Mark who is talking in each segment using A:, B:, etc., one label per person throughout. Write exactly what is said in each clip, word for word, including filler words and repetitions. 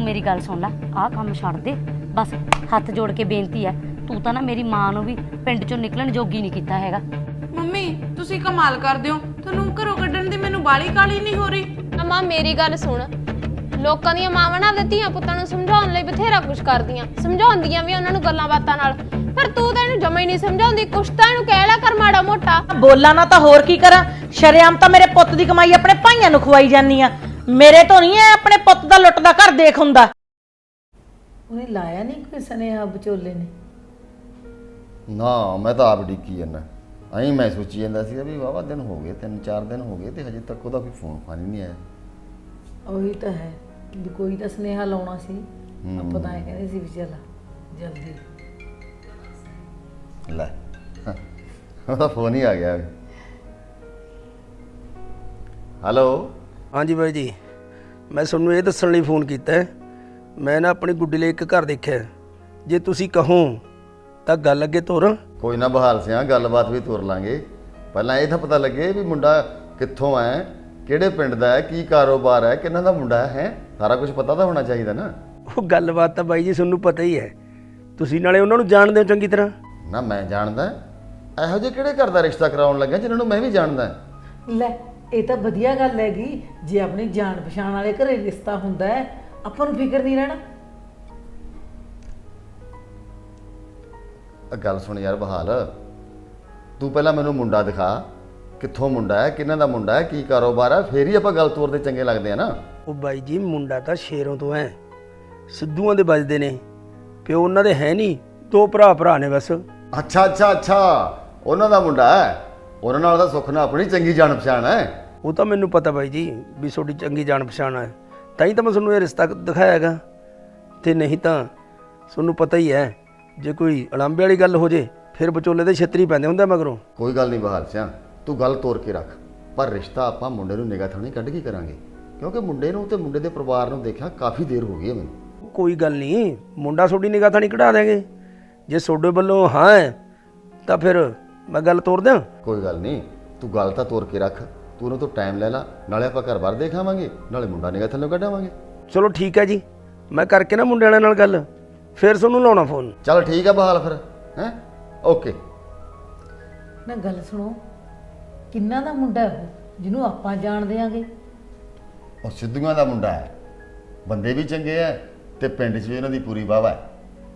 A: मेरी गल सुन ला, आ काम छड़ दे बस। हथ जोड़ के बेनती है, तू तां ना मेरी मां नूं भी पिंड चों निकलण जोगी नहीं कीता हैगा।
B: ਮੰਮੀ ਤੁਸੀਂ ਕਮਾਲ ਕਰਦੇ ਹੋ, ਤੁਹਾਨੂੰ ਘਰੋਂ ਕੱਢਣ ਦੀ ਮੈਨੂੰ ਬਾਲੀ ਕਾਲੀ ਨਹੀਂ ਹੋ ਰਹੀ।
C: ਮਾਂ ਮੇਰੀ ਗੱਲ ਸੁਣ, ਲੋਕਾਂ ਦੀਆਂ ਮਾਵਾਂ ਨਾ ਆਪਦੇ ਧੀਆਂ ਪੁੱਤਾਂ ਨੂੰ ਸਮਝਾਉਣ ਲਈ ਬਥੇਰਾ ਕੁਛ ਕਰਦੀਆਂ, ਸਮਝਾਉਂਦੀਆਂ ਵੀ ਉਹਨਾਂ ਨੂੰ ਗੱਲਾਂ ਬਾਤਾਂ ਨਾਲ, ਪਰ ਤੂੰ ਤਾਂ ਇਹਨੂੰ ਜਮਾ ਹੀ ਨਹੀਂ ਸਮਝਾਉਂਦੀ। ਕੁਛ ਤਾਂ ਇਹਨੂੰ ਕਹਿ ਲਿਆ ਕਰ ਮਾੜਾ ਮੋਟਾ।
D: ਬੋਲਾਂ ਨਾ ਤਾਂ ਹੋਰ ਕੀ ਕਰਾਂ, ਸ਼ਰੇਆਮ ਤਾਂ ਮੇਰੇ ਪੁੱਤ ਦੀ ਕਮਾਈ ਆਪਣੇ ਭਾਈਆਂ ਨੂੰ ਖਵਾਈ ਜਾਂਦੀ ਆ, ਮੇਰੇ ਤੋਂ ਨਹੀਂ ਐ ਆਪਣੇ ਪੁੱਤ ਦਾ ਲੁੱਟ ਦਾ ਘਰ ਦੇਖ ਹੁੰਦਾ। ਉਹਨੇ ਲਾਇਆ ਨਹੀਂ ਕੋਈ ਸੁਨੇਹਾ ਵਿਚੋਲੇ ਨੇ?
E: ਨਾ ਮੈਂ ਤਾਂ ਆਪ ਡਿੱਕੀ ਜਾਂਦਾ, ਐਂ ਮੈਂ ਸੋਚੀ ਜਾਂਦਾ ਸੀ ਵੀ ਵਾਹਵਾ ਦਿਨ ਹੋ ਗਏ, ਤਿੰਨ ਚਾਰ ਦਿਨ ਹੋ ਗਏ ਤੇ ਹਜੇ ਤੱਕ ਉਹਦਾ ਕੋਈ ਫੋਨ ਫਾਨ ਹੀ ਨਹੀਂ ਆਇਆ।
D: ਉਹੀ ਤਾਂ ਹੈ ਵੀ ਕੋਈ ਤਾਂ ਸੁਨੇਹਾ ਲਾਉਣਾ ਸੀ, ਆਪਾਂ ਤਾਂ ਐਂ ਕਹਿੰਦੇ ਸੀ ਵੀ ਚੱਲ ਜਲਦੀ
E: ਲੈ ਉਹਦਾ ਫੋਨ ਹੀ ਆ ਗਿਆ। ਹੈਲੋ।
F: ਹਾਂਜੀ ਬਾਈ ਜੀ, ਮੈਂ ਤੁਹਾਨੂੰ ਇਹ ਦੱਸਣ ਲਈ ਫੋਨ ਕੀਤਾ ਹੈ, ਮੈਂ ਨਾ ਆਪਣੀ ਗੁੱਡੀ ਲਈ ਇੱਕ ਘਰ ਦੇਖਿਆ, ਜੇ ਤੁਸੀਂ ਕਹੋ ਤਾਂ ਗੱਲ ਅੱਗੇ ਤੋਰਾਂ।
E: ਕੋਈ ਨਾ ਬਹਾਲ ਸਿਆ, ਗੱਲਬਾਤ ਵੀ ਤੁਰ ਲਾਂਗੇ। ਪਹਿਲਾਂ ਇਹ ਤਾਂ ਪਤਾ ਲੱਗੇ ਵੀ ਮੁੰਡਾ ਕਿੱਥੋਂ ਹੈ, ਕਿਹੜੇ ਪਿੰਡ ਦਾ ਹੈ, ਕੀ ਕਾਰੋਬਾਰ ਹੈ, ਕਿਹਨਾਂ ਦਾ ਮੁੰਡਾ ਹੈ, ਸਾਰਾ ਕੁਝ ਪਤਾ ਤਾਂ ਹੋਣਾ ਚਾਹੀਦਾ ਨਾ।
F: ਉਹ ਗੱਲਬਾਤ ਤਾਂ ਬਾਈ ਜੀ ਤੁਹਾਨੂੰ ਪਤਾ ਹੀ ਹੈ, ਤੁਸੀਂ ਨਾਲੇ ਉਹਨਾਂ ਨੂੰ ਜਾਣਦੇ ਹੋ ਚੰਗੀ ਤਰ੍ਹਾਂ।
E: ਨਾ ਮੈਂ ਜਾਣਦਾ, ਇਹੋ ਜਿਹੇ ਕਿਹੜੇ ਘਰ ਦਾ ਰਿਸ਼ਤਾ ਕਰਾਉਣ ਲੱਗਾ ਜਿਹਨਾਂ ਨੂੰ ਮੈਂ ਵੀ ਜਾਣਦਾ।
D: ਲੈ ਇਹ ਤਾਂ ਵਧੀਆ ਗੱਲ ਹੈਗੀ, ਜੇ ਆਪਣੀ ਜਾਣ ਪਛਾਣ ਵਾਲੇ ਘਰੇ ਰਿਸ਼ਤਾ ਹੁੰਦਾ ਹੈ ਆਪਾਂ ਨੂੰ ਫਿਕਰ ਨਹੀਂ ਰਹਿਣਾ।
E: ਗੱਲ ਸੁਣ ਯਾਰ ਬਹਾਲ, ਤੂੰ ਪਹਿਲਾਂ ਮੈਨੂੰ ਮੁੰਡਾ ਦਿਖਾ, ਕਿੱਥੋਂ ਮੁੰਡਾ ਹੈ, ਕਿਹਨਾਂ ਦਾ ਮੁੰਡਾ ਹੈ, ਕੀ ਕਾਰੋਬਾਰ ਹੈ, ਫੇਰ ਹੀ ਆਪਾਂ ਗੱਲ ਤੋਰਦੇ ਚੰਗੇ ਲੱਗਦੇ ਆ ਨਾ।
F: ਉਹ ਬਾਈ ਜੀ ਮੁੰਡਾ ਤਾਂ ਸ਼ੇਰੋਂ ਤੋਂ ਹੈ, ਸਿੱਧੂਆਂ ਦੇ ਵੱਜਦੇ ਨੇ, ਪਿਓ ਉਹਨਾਂ ਦੇ ਹੈ ਨਹੀਂ, ਦੋ ਭਰਾ ਭਰਾ ਨੇ ਬਸ।
E: ਅੱਛਾ ਅੱਛਾ ਅੱਛਾ, ਉਹਨਾਂ ਦਾ ਮੁੰਡਾ ਹੈ, ਉਹਨਾਂ ਨਾਲ ਤਾਂ ਸੁੱਖ ਨਾਲ ਆਪਣੀ ਚੰਗੀ ਜਾਣ ਪਛਾਣ ਹੈ।
F: ਉਹ ਤਾਂ ਮੈਨੂੰ ਪਤਾ ਬਾਈ ਜੀ ਵੀ ਤੁਹਾਡੀ ਚੰਗੀ ਜਾਣ ਪਛਾਣ ਹੈ, ਤਾਂ ਹੀ ਤਾਂ ਮੈਂ ਤੁਹਾਨੂੰ ਇਹ ਰਿਸ਼ਤਾ ਦਿਖਾਇਆ ਹੈਗਾ, ਤੇ ਨਹੀਂ ਤਾਂ ਤੁਹਾਨੂੰ ਪਤਾ ਹੀ ਹੈ ਜੇ ਕੋਈ ਅਲੰਬੇ ਵਾਲੀ ਗੱਲ ਹੋ ਜੇ ਫਿਰ ਵਿਚੋਲੇ ਦੇ ਛਿੱਤਰੀ ਪੈਂਦੇ ਹੁੰਦੇ ਮਗਰੋਂ।
E: ਕੋਈ ਗੱਲ ਨਹੀਂ ਬਹਾਲ ਸਿਆ, ਤੂੰ ਗੱਲ ਤੋਰ ਕੇ ਰੱਖ, ਪਰ ਰਿਸ਼ਤਾ ਆਪਾਂ ਮੁੰਡੇ ਨੂੰ ਨਿਗਾਹ ਥਾਣੀ ਕੱਢ ਕੇ ਕਰਾਂਗੇ, ਕਿਉਂਕਿ ਮੁੰਡੇ ਨੂੰ ਤੇ ਮੁੰਡੇ ਦੇ ਪਰਿਵਾਰ ਨੂੰ ਦੇਖਿਆ ਕਾਫੀ ਦੇਰ ਹੋ ਗਈ ਹੈ ਮੈਨੂੰ।
F: ਕੋਈ ਗੱਲ ਨਹੀਂ, ਮੁੰਡਾ ਤੁਹਾਡੀ ਨਿਗਾਹ ਥਾਣੀ ਕਢਾ ਦੇਂਗੇ, ਜੇ ਤੁਹਾਡੇ ਵੱਲੋਂ ਹਾਂ ਹੈ ਤਾਂ ਫਿਰ ਮੈਂ ਗੱਲ ਤੋਰ ਦਿਆਂ।
E: ਕੋਈ ਗੱਲ ਨਹੀਂ, ਤੂੰ ਗੱਲ ਤਾਂ ਤੋਰ ਕੇ ਰੱਖ, ਤੂੰ ਉਹਨੂੰ ਤੋਂ ਟਾਈਮ ਲੈ ਲਾ, ਨਾਲੇ ਆਪਾਂ ਘਰ ਬਾਰ ਦੇਖ ਆਵਾਂਗੇ, ਨਾਲੇ ਮੁੰਡਾ ਨਿਗਾਹ ਥੱਲੇ ਕੱਢਾਵਾਂਗੇ।
F: ਚਲੋ ਠੀਕ ਹੈ ਜੀ, ਮੈਂ ਕਰਕੇ ਨਾ ਮੁੰਡੇ ਵਾਲਿਆਂ ਨਾਲ ਗੱਲ, ਫਿਰ ਤੁਹਾਨੂੰ ਲਾਉਣਾ ਫੋਨ।
E: ਚੱਲ ਠੀਕ ਹੈ ਬਹਾਲ ਫਿਰ, ਹੈਂ ਓਕੇ।
D: ਨਾ ਗੱਲ ਸੁਣੋ, ਕਿੰਨਾ ਦਾ ਮੁੰਡਾ ਉਹ ਜਿਹਨੂੰ ਆਪਾਂ ਜਾਣ ਦਿਆਂਗੇ?
E: ਉਹ ਸਿੱਧੂਆਂ ਦਾ ਮੁੰਡਾ ਹੈ, ਬੰਦੇ ਵੀ ਚੰਗੇ ਹੈ ਤੇ ਪਿੰਡ 'ਚ ਵੀ ਇਹਨਾਂ ਦੀ ਪੂਰੀ ਵਾਹਵਾ ਹੈ,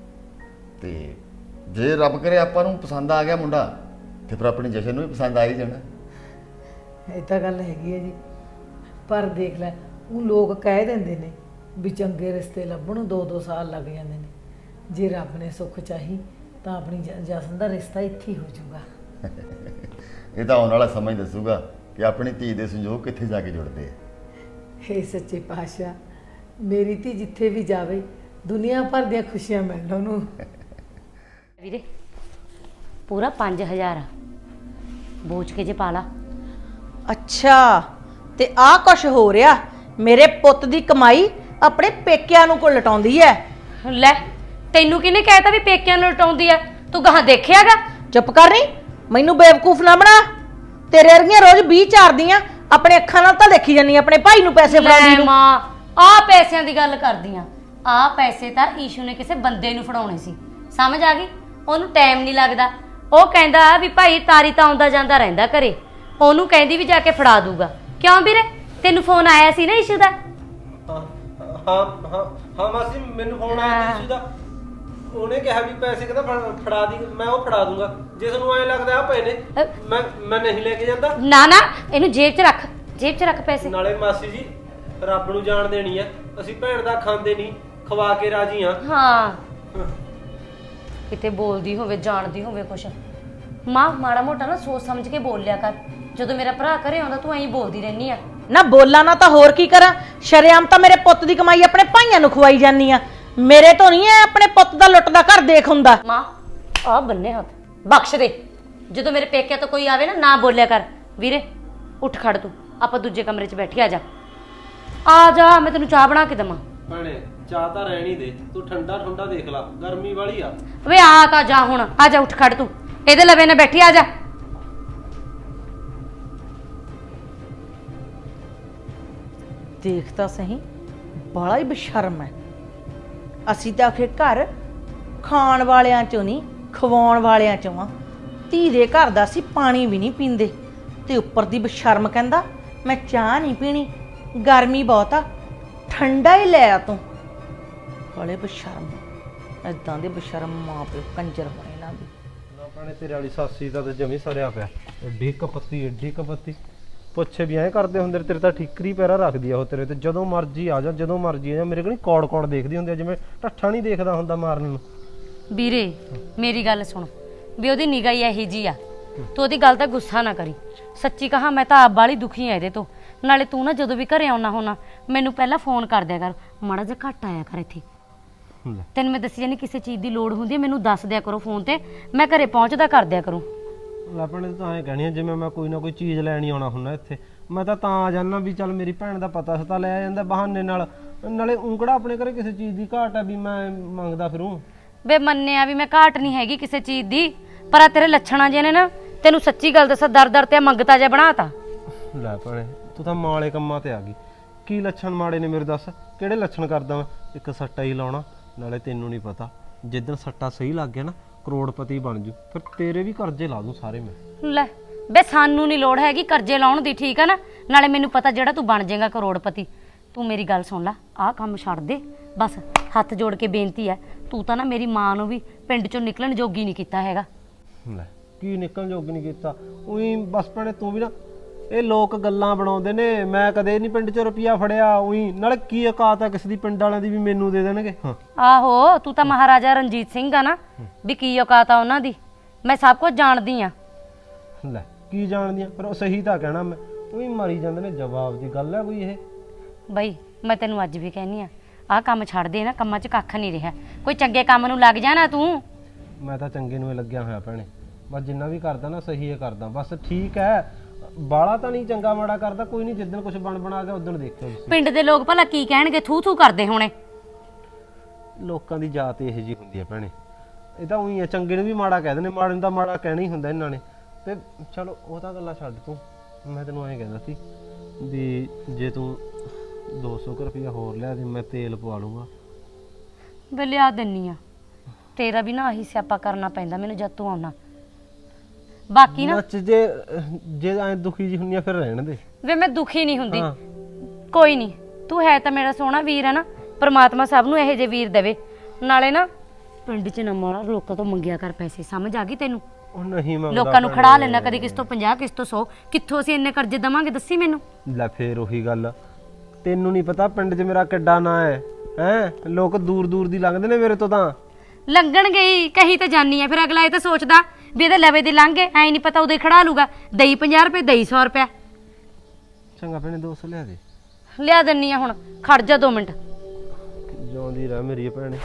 E: ਤੇ ਜੇ ਰੱਬ ਕਰੇ ਆਪਾਂ ਨੂੰ ਪਸੰਦ ਆ ਗਿਆ ਮੁੰਡਾ ਤੇ ਫਿਰ ਆਪਣੀ ਜਸ਼ਨ ਨੂੰ ਵੀ ਪਸੰਦ ਆ ਹੀ ਜਾਣਾ।
D: ਇਹ ਤਾਂ ਗੱਲ ਹੈਗੀ ਹੈ ਜੀ, ਪਰ ਦੇਖ ਲੈ ਉਹ ਲੋਕ ਕਹਿ ਦਿੰਦੇ ਨੇ ਵੀ ਚੰਗੇ ਰਿਸ਼ਤੇ ਲੱਭਣ ਨੂੰ ਦੋ ਦੋ ਸਾਲ ਲੱਗ ਜਾਂਦੇ ਨੇ, ਜੇ ਰੱਬ ਨੇ ਸੁੱਖ ਚਾਹੀ ਤਾਂ ਆਪਣੀ ਜ- ਜਸਨ ਦਾ ਰਿਸ਼ਤਾ ਇੱਥੇ ਹੀ ਹੋ ਜਾਊਗਾ।
E: ਇਹ ਤਾਂ ਆਉਣ ਵਾਲਾ ਸਮਾਂ ਹੀ ਦੱਸੂਗਾ ਕਿ ਆਪਣੀ ਧੀ ਦੇ ਸੰਜੋਗ ਕਿੱਥੇ ਜਾ ਕੇ ਜੁੜਦੇ ਆ।
D: ਹੇ ਸੱਚੇ ਪਾਤਸ਼ਾਹ, ਮੇਰੀ ਧੀ ਜਿੱਥੇ ਵੀ ਜਾਵੇ ਦੁਨੀਆ ਭਰ ਦੀਆਂ ਖੁਸ਼ੀਆਂ ਮਿਲਣ ਉਹਨੂੰ।
A: ਵੀਰੇ ਪੂਰਾ ਪੰਜ ਹਜ਼ਾਰ ਆ, ਬੋਝ ਕੇ ਜੇ ਪਾ ਲਾ।
D: ਅੱਛਾ, ਤੇ ਆਹ ਕੁਛ ਹੋ ਰਿਹਾ, ਮੇਰੇ ਪੁੱਤ ਦੀ ਕਮਾਈ ਆਪਣੇ ਪੇਕਿਆਂ ਨੂੰ ਕੋਲ ਲਟਾਉਂਦੀ ਐ।
A: ਲੈ ਤੈਨੂੰ ਕਿਹਨੇ ਕਹਿਤਾ ਵੀ ਪੇਕਿਆਂ ਨੂੰ ਲਟਾਉਂਦੀ ਆ? ਤੂੰ ਗਾਹਾਂ ਦੇਖਿਆਗਾ?
D: ਚੁੱਪ ਕਰ ਨੀ, ਮੈਨੂੰ ਬੇਵਕੂਫ ਨਾ ਬਣਾ। ਤੇਰੇ ਵਰਗੀਆਂ ਰੋਜ਼ ਵੀਹ ਚਾਰਦੀਆਂ, ਆਪਣੇ ਅੱਖਾਂ ਨਾਲ ਤਾਂ ਦੇਖੀ ਜਾਨੀ ਆਪਣੇ ਭਾਈ ਨੂੰ ਪੈਸੇ ਫੜਾਉਂਦੀ
A: ਲੈ
D: ਨੂੰ।
A: ਮਾਂ, ਆਹ ਪੈਸਿਆਂ ਦੀ ਗੱਲ ਕਰਦੀਆਂ, ਆਹ ਪੈਸੇ ਤਾਂ ਈਸ਼ੂ ਨੇ ਕਿਸੇ ਬੰਦੇ ਨੂੰ ਫੜਾਉਣੇ ਸੀ, ਸਮਝ ਆ ਗਈ? ਉਹਨੂੰ ਟਾਈਮ ਨਹੀਂ ਲੱਗਦਾ, ਉਹ ਕਹਿੰਦਾ ਵੀ ਭਾਈ ਤਾਰੀ ਤਾਂ ਆਉਂਦਾ ਜਾਂਦਾ ਰਹਿੰਦਾ ਘਰੇ, ਉਹਨੂੰ ਕਹਿੰਦੀ ਵੀ ਜਾ ਕੇ ਫੜਾ ਦੂਗਾ। ਕਿਉਂ ਵੀਰੇ, ਤੈਨੂੰ ਫੋਨ ਆਇਆ ਸੀ ਨਾ ਈਸ਼ੂ ਦਾ?
F: ਹਾਂ ਹਾਂ ਹਾਂ ਹਾਂ ਮਾਸੀ, ਮੈਨੂੰ ਫੋਨ ਆਇਆ ਸੀ ਦਾ, ਉਹਨੇ ਕਿਹਾ ਵੀ ਪੈਸੇ ਕਹਿੰਦਾ ਫੜਾ ਦੀ, ਮੈਂ ਉਹ ਫੜਾ ਦੂੰਗਾ, ਜੇ ਤੁਹਾਨੂੰ ਐਂ ਲੱਗਦਾ ਆ ਪਏ ਨੇ ਮੈਂ ਮੈਂ ਨਹੀਂ ਲੈ ਕੇ ਜਾਂਦਾ।
A: ਨਾ ਨਾ, ਇਹਨੂੰ ਜੇਬ 'ਚ ਰੱਖ, ਜੇਬ 'ਚ ਰੱਖ ਪੈਸੇ।
F: ਨਾਲੇ ਮਾਸੀ ਜੀ ਰੱਬ ਨੂੰ ਜਾਣ ਦੇਣੀ ਆ, ਅਸੀਂ ਭੈਣ ਦਾ ਖਾਂਦੇ ਨਹੀਂ, ਖਵਾ ਕੇ ਰਾਜੀ ਆ।
A: ਹਾਂ ਕਿਤੇ ਬੋਲਦੀ ਹੋਵੇ ਜਾਣਦੀ ਹੋਵੇ ਕੁਛ। ਮਾਂ ਮਾੜਾ ਮੋਟਾ ਨਾ ਸੋਚ ਸਮਝ ਕੇ ਬੋਲ ਲਿਆ ਕਰ, ਜਦੋਂ ਮੇਰਾ ਭਰਾ ਘਰੇ ਆਉਂਦਾ ਤੂੰ ਐਂ ਬੋਲਦੀ ਰਹਿਨੀ ਆ।
D: ਨਾ ਬੋਲਾਂ ਨਾ ਤਾਂ ਹੋਰ ਕੀ ਕਰਾਂ, ਸ਼ਰੇਆਮ ਤਾਂ ਮੇਰੇ ਪੁੱਤ ਦੀ ਕਮਾਈ ਆਪਣੇ ਭਾਈਆਂ ਨੂੰ ਖਵਾਈ ਜਾਂਦੀ ਆ, ਮੇਰੇ ਤੋਂ ਨਹੀਂ ਐ ਆਪਣੇ ਪੁੱਤ ਦਾ ਲੁੱਟ ਦਾ ਘਰ ਦੇਖ ਹੁੰਦਾ।
A: ਮਾਂ ਆ ਬੰਨੇ ਹੱਥ ਬਖਸ਼ ਦੇ, ਜਦੋਂ ਮੇਰੇ ਪੇਕਿਆਂ ਤੋਂ ਕੋਈ ਆਵੇ ਨਾ ਨਾ ਬੋਲਿਆ ਕਰ। ਵੀਰੇ ਉੱਠ ਖੜ, ਤੂੰ ਆਪਾਂ ਦੂਜੇ ਕਮਰੇ 'ਚ ਬੈਠੀ, ਆ ਜਾ ਆ ਜਾ, ਮੈਂ ਤੈਨੂੰ ਚਾਹ ਬਣਾ ਕੇ ਦੇਵਾਂ।
F: ਭੈਣੇ ਚਾਹ ਤਾਂ ਰਹਿਣੀ ਦੇ, ਤੂੰ ਠੰਡਾ ਠੰਡਾ ਦੇਖ ਲਾ, ਗਰਮੀ ਵਾਲੀ ਆ।
A: ਵੇ ਆ ਤਾਂ ਜਾ ਹੁਣ, ਆ ਜਾ ਉੱਠ ਖੜ, ਤੂੰ ਇਹਦੇ ਲਵੇ ਨਾ ਬੈਠੀ, ਆ ਜਾ।
D: ਦੇਖ ਤਾਂ ਸਹੀ, ਬਾਲਾ ਹੀ ਬੇਸ਼ਰਮ ਹੈ,
G: ਅਸੀਂ ਤਾਂ ਆਖੇ ਘਰ ਖਾਣ ਵਾਲਿਆਂ ਚੋਂ ਨਹੀਂ ਖਵਾਉਣ ਵਾਲਿਆਂ ਚੋਂ ਆ। ਧੀ ਦੇ ਘਰ ਦਾ ਅਸੀਂ ਪਾਣੀ ਵੀ ਨਹੀਂ ਪੀਂਦੇ ਤੇ ਉੱਪਰ ਦੀ ਬਸ਼ਰਮ ਕਹਿੰਦਾ ਮੈਂ ਚਾਹ ਨਹੀਂ ਪੀਣੀ, ਗਰਮੀ ਬਹੁਤ ਆ, ਠੰਡਾ ਹੀ ਲੈ ਆ ਤੂੰ। ਹਲੇ ਬਸ਼ਰਮ, ਇਦਾਂ ਦੇ ਬਸ਼ਰਮ ਮਾਂ ਪਿਓ ਕੰਜਰ ਹੋਣੇ ਇਹਨਾਂ ਦੇ।
H: ਨਾ ਭੈਣੇ ਤੇਰੇ ਵਾਲੀ ਸਾਸੀ ਦਾ ਤੇ ਜਮੀ ਸਰਿਆ ਪਿਆ, ਐਡੀ ਕਪੱਤੀ ਏਡੀ ਕਪੱਤੀ, ਪੁੱਛੇ ਵੀ ਐਂ ਕਰਦੇ ਹੁੰਦੇ ਤੇਰੇ ਤਾਂ ਠੀਕਰੀ ਪੈਰਾ ਰੱਖਦੀ ਆ ਉਹ ਤੇਰੇ ਤੇ, ਜਦੋਂ ਮਰਜ਼ੀ ਆ ਜਾ ਜਦੋਂ ਮਰਜ਼ੀ ਆ ਜਾ, ਮੇਰੇ ਕੋਲ ਨਹੀਂ ਕੌੜ ਕੌੜ ਦੇਖਦੀ ਹੁੰਦੀ ਆ, ਜਿਵੇਂ ਢੱਠਾ ਨਹੀਂ ਦੇਖਦਾ ਹੁੰਦਾ ਮਾਰਨ ਨੂੰ।
A: ਵੀਰੇ ਮੇਰੀ ਗੱਲ ਸੁਣ, ਵੀ ਉਹਦੀ ਨਿਗਾਹ ਹੀ ਇਹੀ ਜੀ ਆ, ਤੂੰ ਉਹਦੀ ਗੱਲ ਦਾ ਗੁੱਸਾ ਨਾ ਕਰੀ। ਸੱਚੀ ਕਹਾ ਮੈਂ ਤਾਂ ਆਪ ਵਾਲੀ ਦੁਖੀ ਆ ਇਹਦੇ ਤੋਂ। ਨਾਲੇ ਤੂੰ ਨਾ ਜਦੋਂ ਵੀ ਘਰੇ ਆਉਣਾ ਹੋਣਾ ਮੈਨੂੰ ਪਹਿਲਾਂ ਫੋਨ ਕਰ ਦਿਆ ਕਰ, ਮਾੜਾ ਜਿਹਾ ਘੱਟ ਆਇਆ ਕਰ ਇੱਥੇ। ਤੈਨੂੰ ਮੈਂ ਦੱਸੀ ਜਾਨੀ ਕਿਸੇ ਚੀਜ਼ ਦੀ ਲੋੜ ਹੁੰਦੀ ਹੈ ਮੈਨੂੰ ਦੱਸ ਦਿਆ ਕਰੋ ਫੋਨ ਤੇ, ਮੈਂ ਘਰੇ ਪਹੁੰਚਦਾ ਕਰ ਦਿਆ ਕਰੂੰ।
H: ਆਪਣੇ ਤਾਂ ਐਂ ਕਹਿਣੀ ਆ ਜਿਵੇਂ ਮੈਂ ਕੋਈ ਨਾ ਕੋਈ ਚੀਜ਼ ਲੈਣੀ ਆਉਣਾ ਹੁੰਦਾ ਇੱਥੇ, ਮੈਂ ਤਾਂ ਤਾਂ ਆ ਜਾਣਾ ਵੀ ਚੱਲ ਮੇਰੀ ਭੈਣ ਦਾ ਪਤਾ ਸਤਾ ਲੈ ਜਾਂਦਾ ਬਹਾਨੇ ਨਾਲ, ਨਾਲੇ ਉਂਕੜਾ ਆਪਣੇ ਘਰੇ ਕਿਸੇ ਚੀਜ਼ ਦੀ ਘਾਟ ਆ ਵੀ ਮੈਂ ਮੰਗਦਾ ਫਿਰੂੰ।
A: ਵੇ ਮੰਨਿਆ ਵੀ ਮੈਂ ਘਾਟ ਨਹੀਂ ਹੈਗੀ ਕਿਸੇ ਚੀਜ਼ ਦੀ, ਪਰ ਆ ਤੇਰੇ ਲੱਛਣਾਂ ਜਿਹੇ ਨੇ ਨਾ, ਤੈਨੂੰ ਸੱਚੀ ਗੱਲ ਦੱਸਾਂ ਦਰ ਦਰ ਤੇ ਮੰਗਤਾ ਜਿਹਾ ਬਣਾਤਾ।
H: ਲੈ ਭੈਣੇ ਤੂੰ ਤਾਂ ਮਾੜੇ ਕੰਮਾਂ ਤੇ ਆ ਗਈ। ਕੀ ਲੱਛਣ ਮਾੜੇ ਨੇ ਮੇਰੇ, ਦੱਸ ਕਿਹੜੇ ਲੱਛਣ ਕਰਦਾ ਮੈਂ? ਇੱਕ ਸੱਟਾ ਹੀ ਲਾਉਣਾ, ਨਾਲੇ ਤੈਨੂੰ ਨਹੀਂ ਪਤਾ ਜਿੱਦਣ ਸੱਟਾ ਸਹੀ ਲੱਗ ਗਿਆ ਨਾ ਕਰੋੜਪਤੀ ਬਣ ਜੂ, ਫਿਰ ਤੇਰੇ ਵੀ ਕਰਜ਼ੇ ਲਾ ਦੂੰ ਸਾਰੇ ਮੈਂ।
A: ਲੈ ਬੇ ਸਾਨੂੰ ਨਹੀਂ ਲੋੜ ਹੈਗੀ ਕਰਜ਼ੇ ਲਾਉਣ ਦੀ, ਠੀਕ ਆ ਨਾ? ਨਾਲੇ ਮੈਨੂੰ ਪਤਾ ਜਿਹੜਾ ਤੂੰ ਬਣ ਜਾਏਗਾ ਕਰੋੜਪਤੀ। ਤੂੰ ਮੇਰੀ ਗੱਲ ਸੁਣ ਲੈ, ਆਹ ਕੰਮ ਛੱਡ ਦੇ ਬਸ, ਹੱਥ ਜੋੜ ਕੇ ਬੇਨਤੀ ਹੈ। ਤੂੰ ਤਾਂ ਨਾ ਮੇਰੀ ਮਾਂ ਨੂੰ ਵੀ ਪਿੰਡ ਚੋਂ ਨਿਕਲਣ ਜੋਗੀ ਨਹੀਂ ਕੀਤਾ ਹੈਗਾ।
H: ਲੈ ਕੀ ਨਿਕਲਣ ਜੋਗੀ ਨਹੀਂ ਕੀਤਾ, ਉਹੀ ਬਸ ਭੈਣੇ ਤੂੰ ਵੀ ਨਾ, ਇਹ ਲੋਕ ਗੱਲਾਂ ਬਣਾਉਂਦੇ ਨੇ, ਮੈਂ ਕਦੇ ਨਹੀਂ ਪਿੰਡ 'ਚ ਰੁਪਈਆ ਫੜਿਆ ਉਹੀ, ਨਾਲੇ ਕੀ ਔਕਾਤ ਆ ਕਿਸੇ ਦੀ ਪਿੰਡ ਵਾਲਿਆਂ ਦੀ ਵੀ ਮੈਨੂੰ ਦੇ ਦੇਣਗੇ। ਹਾਂ
A: ਆਹੋ ਤੂੰ ਤਾਂ ਮਹਾਰਾਜਾ ਰਣਜੀਤ ਸਿੰਘ ਆ ਨਾ, ਵੀ ਕੀ ਔਕਾਤ ਆ ਉਹਨਾਂ ਦੀ, ਮੈਂ ਸਭ ਕੁਝ ਜਾਣਦੀ ਆ।
H: ਲੈ ਕੀ ਜਾਣਦੀਆਂ, ਪਰ ਉਹ ਸਹੀ ਤਾਂ ਕਹਿਣਾ ਮੈਂ, ਉਹੀ ਮਾਰੀ ਜਾਂਦੇ ਨੇ, ਜਵਾਬ ਦੀ ਗੱਲ ਹੈ ਕੋਈ ਇਹ?
A: ਬਈ ਮੈਂ ਤੈਨੂੰ ਅੱਜ ਵੀ ਕਹਿੰਦੀ ਆ, ਆਹ ਕੰਮ ਛੱਡ ਦੇ ਨਾ, ਕੰਮਾਂ 'ਚ ਕੱਖ ਨਹੀਂ ਰਿਹਾ, ਕੋਈ ਚੰਗੇ ਕੰਮ ਨੂੰ ਲੱਗ ਜਾ ਨਾ ਤੂੰ।
H: ਮੈਂ ਤਾਂ ਚੰਗੇ ਨੂੰ ਹੀ ਲੱਗਿਆ ਹੋਇਆ ਭੈਣੇ, ਬਸ ਜਿੰਨਾ ਵੀ ਕਰਦਾ ਨਾ ਸਹੀ ਹੈ ਕਰਦਾ, ਬਸ ਠੀਕ ਹੈ, ਬਾਲਾ ਤਾਂ ਨਹੀਂ ਚੰਗਾ ਮਾੜਾ ਕਰਦਾ, ਕੋਈ ਨਹੀਂ ਜਿੱਦਣ ਕੁਝ ਬਣ ਬਣਾ ਗਿਆ ਉਦੋਂ ਦੇਖਿਓ ਤੁਸੀਂ।
A: ਪਿੰਡ ਦੇ ਲੋਕ ਭਲਾ ਕੀ ਕਹਿਣਗੇ, ਥੂ ਥੂ ਕਰਦੇ ਹੋਣੇ।
H: ਲੋਕਾਂ ਦੀ ਜਾਤ ਇਹੋ ਜਿਹੀ ਹੁੰਦੀ ਹੈ ਭੈਣੇ, ਇਹ ਤਾਂ ਉਹੀ ਹੈ, ਚੰਗੇ ਨੂੰ ਵੀ ਮਾੜਾ ਕਹਿ ਦਿੰਦੇ, ਮਾੜੇ ਨੂੰ ਤਾਂ ਮਾੜਾ ਕਹਿਣਾ ਹੀ ਹੁੰਦਾ ਇਹਨਾਂ ਨੇ। ਤੇ ਚਲੋ ਉਹ ਤਾਂ ਗੱਲਾਂ ਛੱਡ ਤੂੰ, ਮੈਂ ਤੈਨੂੰ ਐਂ ਕਹਿੰਦਾ ਸੀ ਵੀ ਜੇ ਤੂੰ ਦੋ ਸੌ ਕੁ ਰੁਪਈਆ ਹੋਰ ਲਿਆ ਦੇ ਮੈਂ ਤੇਲ ਪਵਾ ਲੂੰਗਾ।
A: ਵੇ ਲਿਆ ਦਿੰਨੀ ਆ, ਤੇਰਾ ਵੀ ਨਾ ਆਹੀ ਸਿਆਪਾ ਕਰਨਾ ਪੈਂਦਾ ਮੈਨੂੰ ਜਦ ਤੂੰ ਆਉਣਾ। ਬਾਕੀ ਨਾ
H: ਨੱਚ ਜੇ ਜੇ ਐ ਦੁਖੀ ਜੀ ਹੁੰਨੀ ਆ ਫਿਰ ਰਹਿਣ ਦੇ।
A: ਵੇ ਮੈਂ ਦੁਖੀ ਨਹੀਂ ਹੁੰਦੀ, ਕੋਈ ਨਹੀਂ, ਤੂੰ ਹੈ ਤਾਂ ਮੇਰਾ ਸੋਹਣਾ ਵੀਰ ਹੈ ਨਾ, ਪ੍ਰਮਾਤਮਾ ਸਭ ਨੂੰ ਇਹੋ ਜਿਹੇ ਵੀਰ ਦੇਵੇ। ਨਾਲੇ ਨਾ ਪਿੰਡ 'ਚ ਨਾ ਮਾੜਾ ਲੋਕਾਂ ਤੋਂ ਮੰਗਿਆ ਕਰ ਪੈਸੇ, ਸਮਝ ਆ ਗਈ ਤੈਨੂੰ?
H: ਉਹ ਨਹੀਂ ਮੰਗਦਾ,
A: ਲੋਕਾਂ ਨੂੰ ਖੜਾ ਲੈਣਾ, ਕਦੇ ਕਿਸ ਤੋਂ ਪੰਜਾਹ ਕਿਸ ਤੋਂ ਸੌ, ਕਿੱਥੋਂ ਅਸੀਂ ਇੰਨੇ ਕਰਜ਼ੇ ਦਵਾਂਗੇ ਦੱਸੀ ਮੈਨੂੰ?
H: ਲੈ ਫੇਰ ਉਹੀ ਗੱਲ, ਤੈਨੂੰ ਨਹੀਂ ਪਤਾ ਪਿੰਡ 'ਚ ਮੇਰਾ ਕਿੱਡਾ ਨਾਂ ਹੈ, ਹੈ ਲੋਕ ਦੂਰ ਦੂਰ ਦੀ ਲੰਘਦੇ ਨੇ ਮੇਰੇ ਤੋਂ, ਤਾਂ
A: ਲੰਘਣ ਗਈ ਕਹੀ ਤਾਂ ਜਾਨੀ ਆ, ਫਿਰ ਅਗਲਾ ਇਹ ਤਾਂ ਸੋਚਦਾ ਵੀ ਇਹਦੇ ਲਵੇ ਦੇ ਲੰਘ ਗਏ, ਐ ਨਹੀਂ ਪਤਾ ਉਦੋਂ ਹੀ ਖੜਾ ਲੂਗਾ, ਦਈ ਪੰਜਾਹ ਰੁਪਏ ਦਈ ਸੌ ਰੁਪਇਆ।
H: ਚੰਗਾ ਭੈਣੇ ਦੋ ਸੌ ਲਿਆ ਦੇ।
A: ਲਿਆ ਦਿੰਨੀ ਆ, ਹੁਣ ਖੜ ਜਾ ਦੋ ਮਿੰਟ।
H: ਜਿਉਂਦੀ ਰਹਿ ਮੇਰੀ ਭੈਣੇ,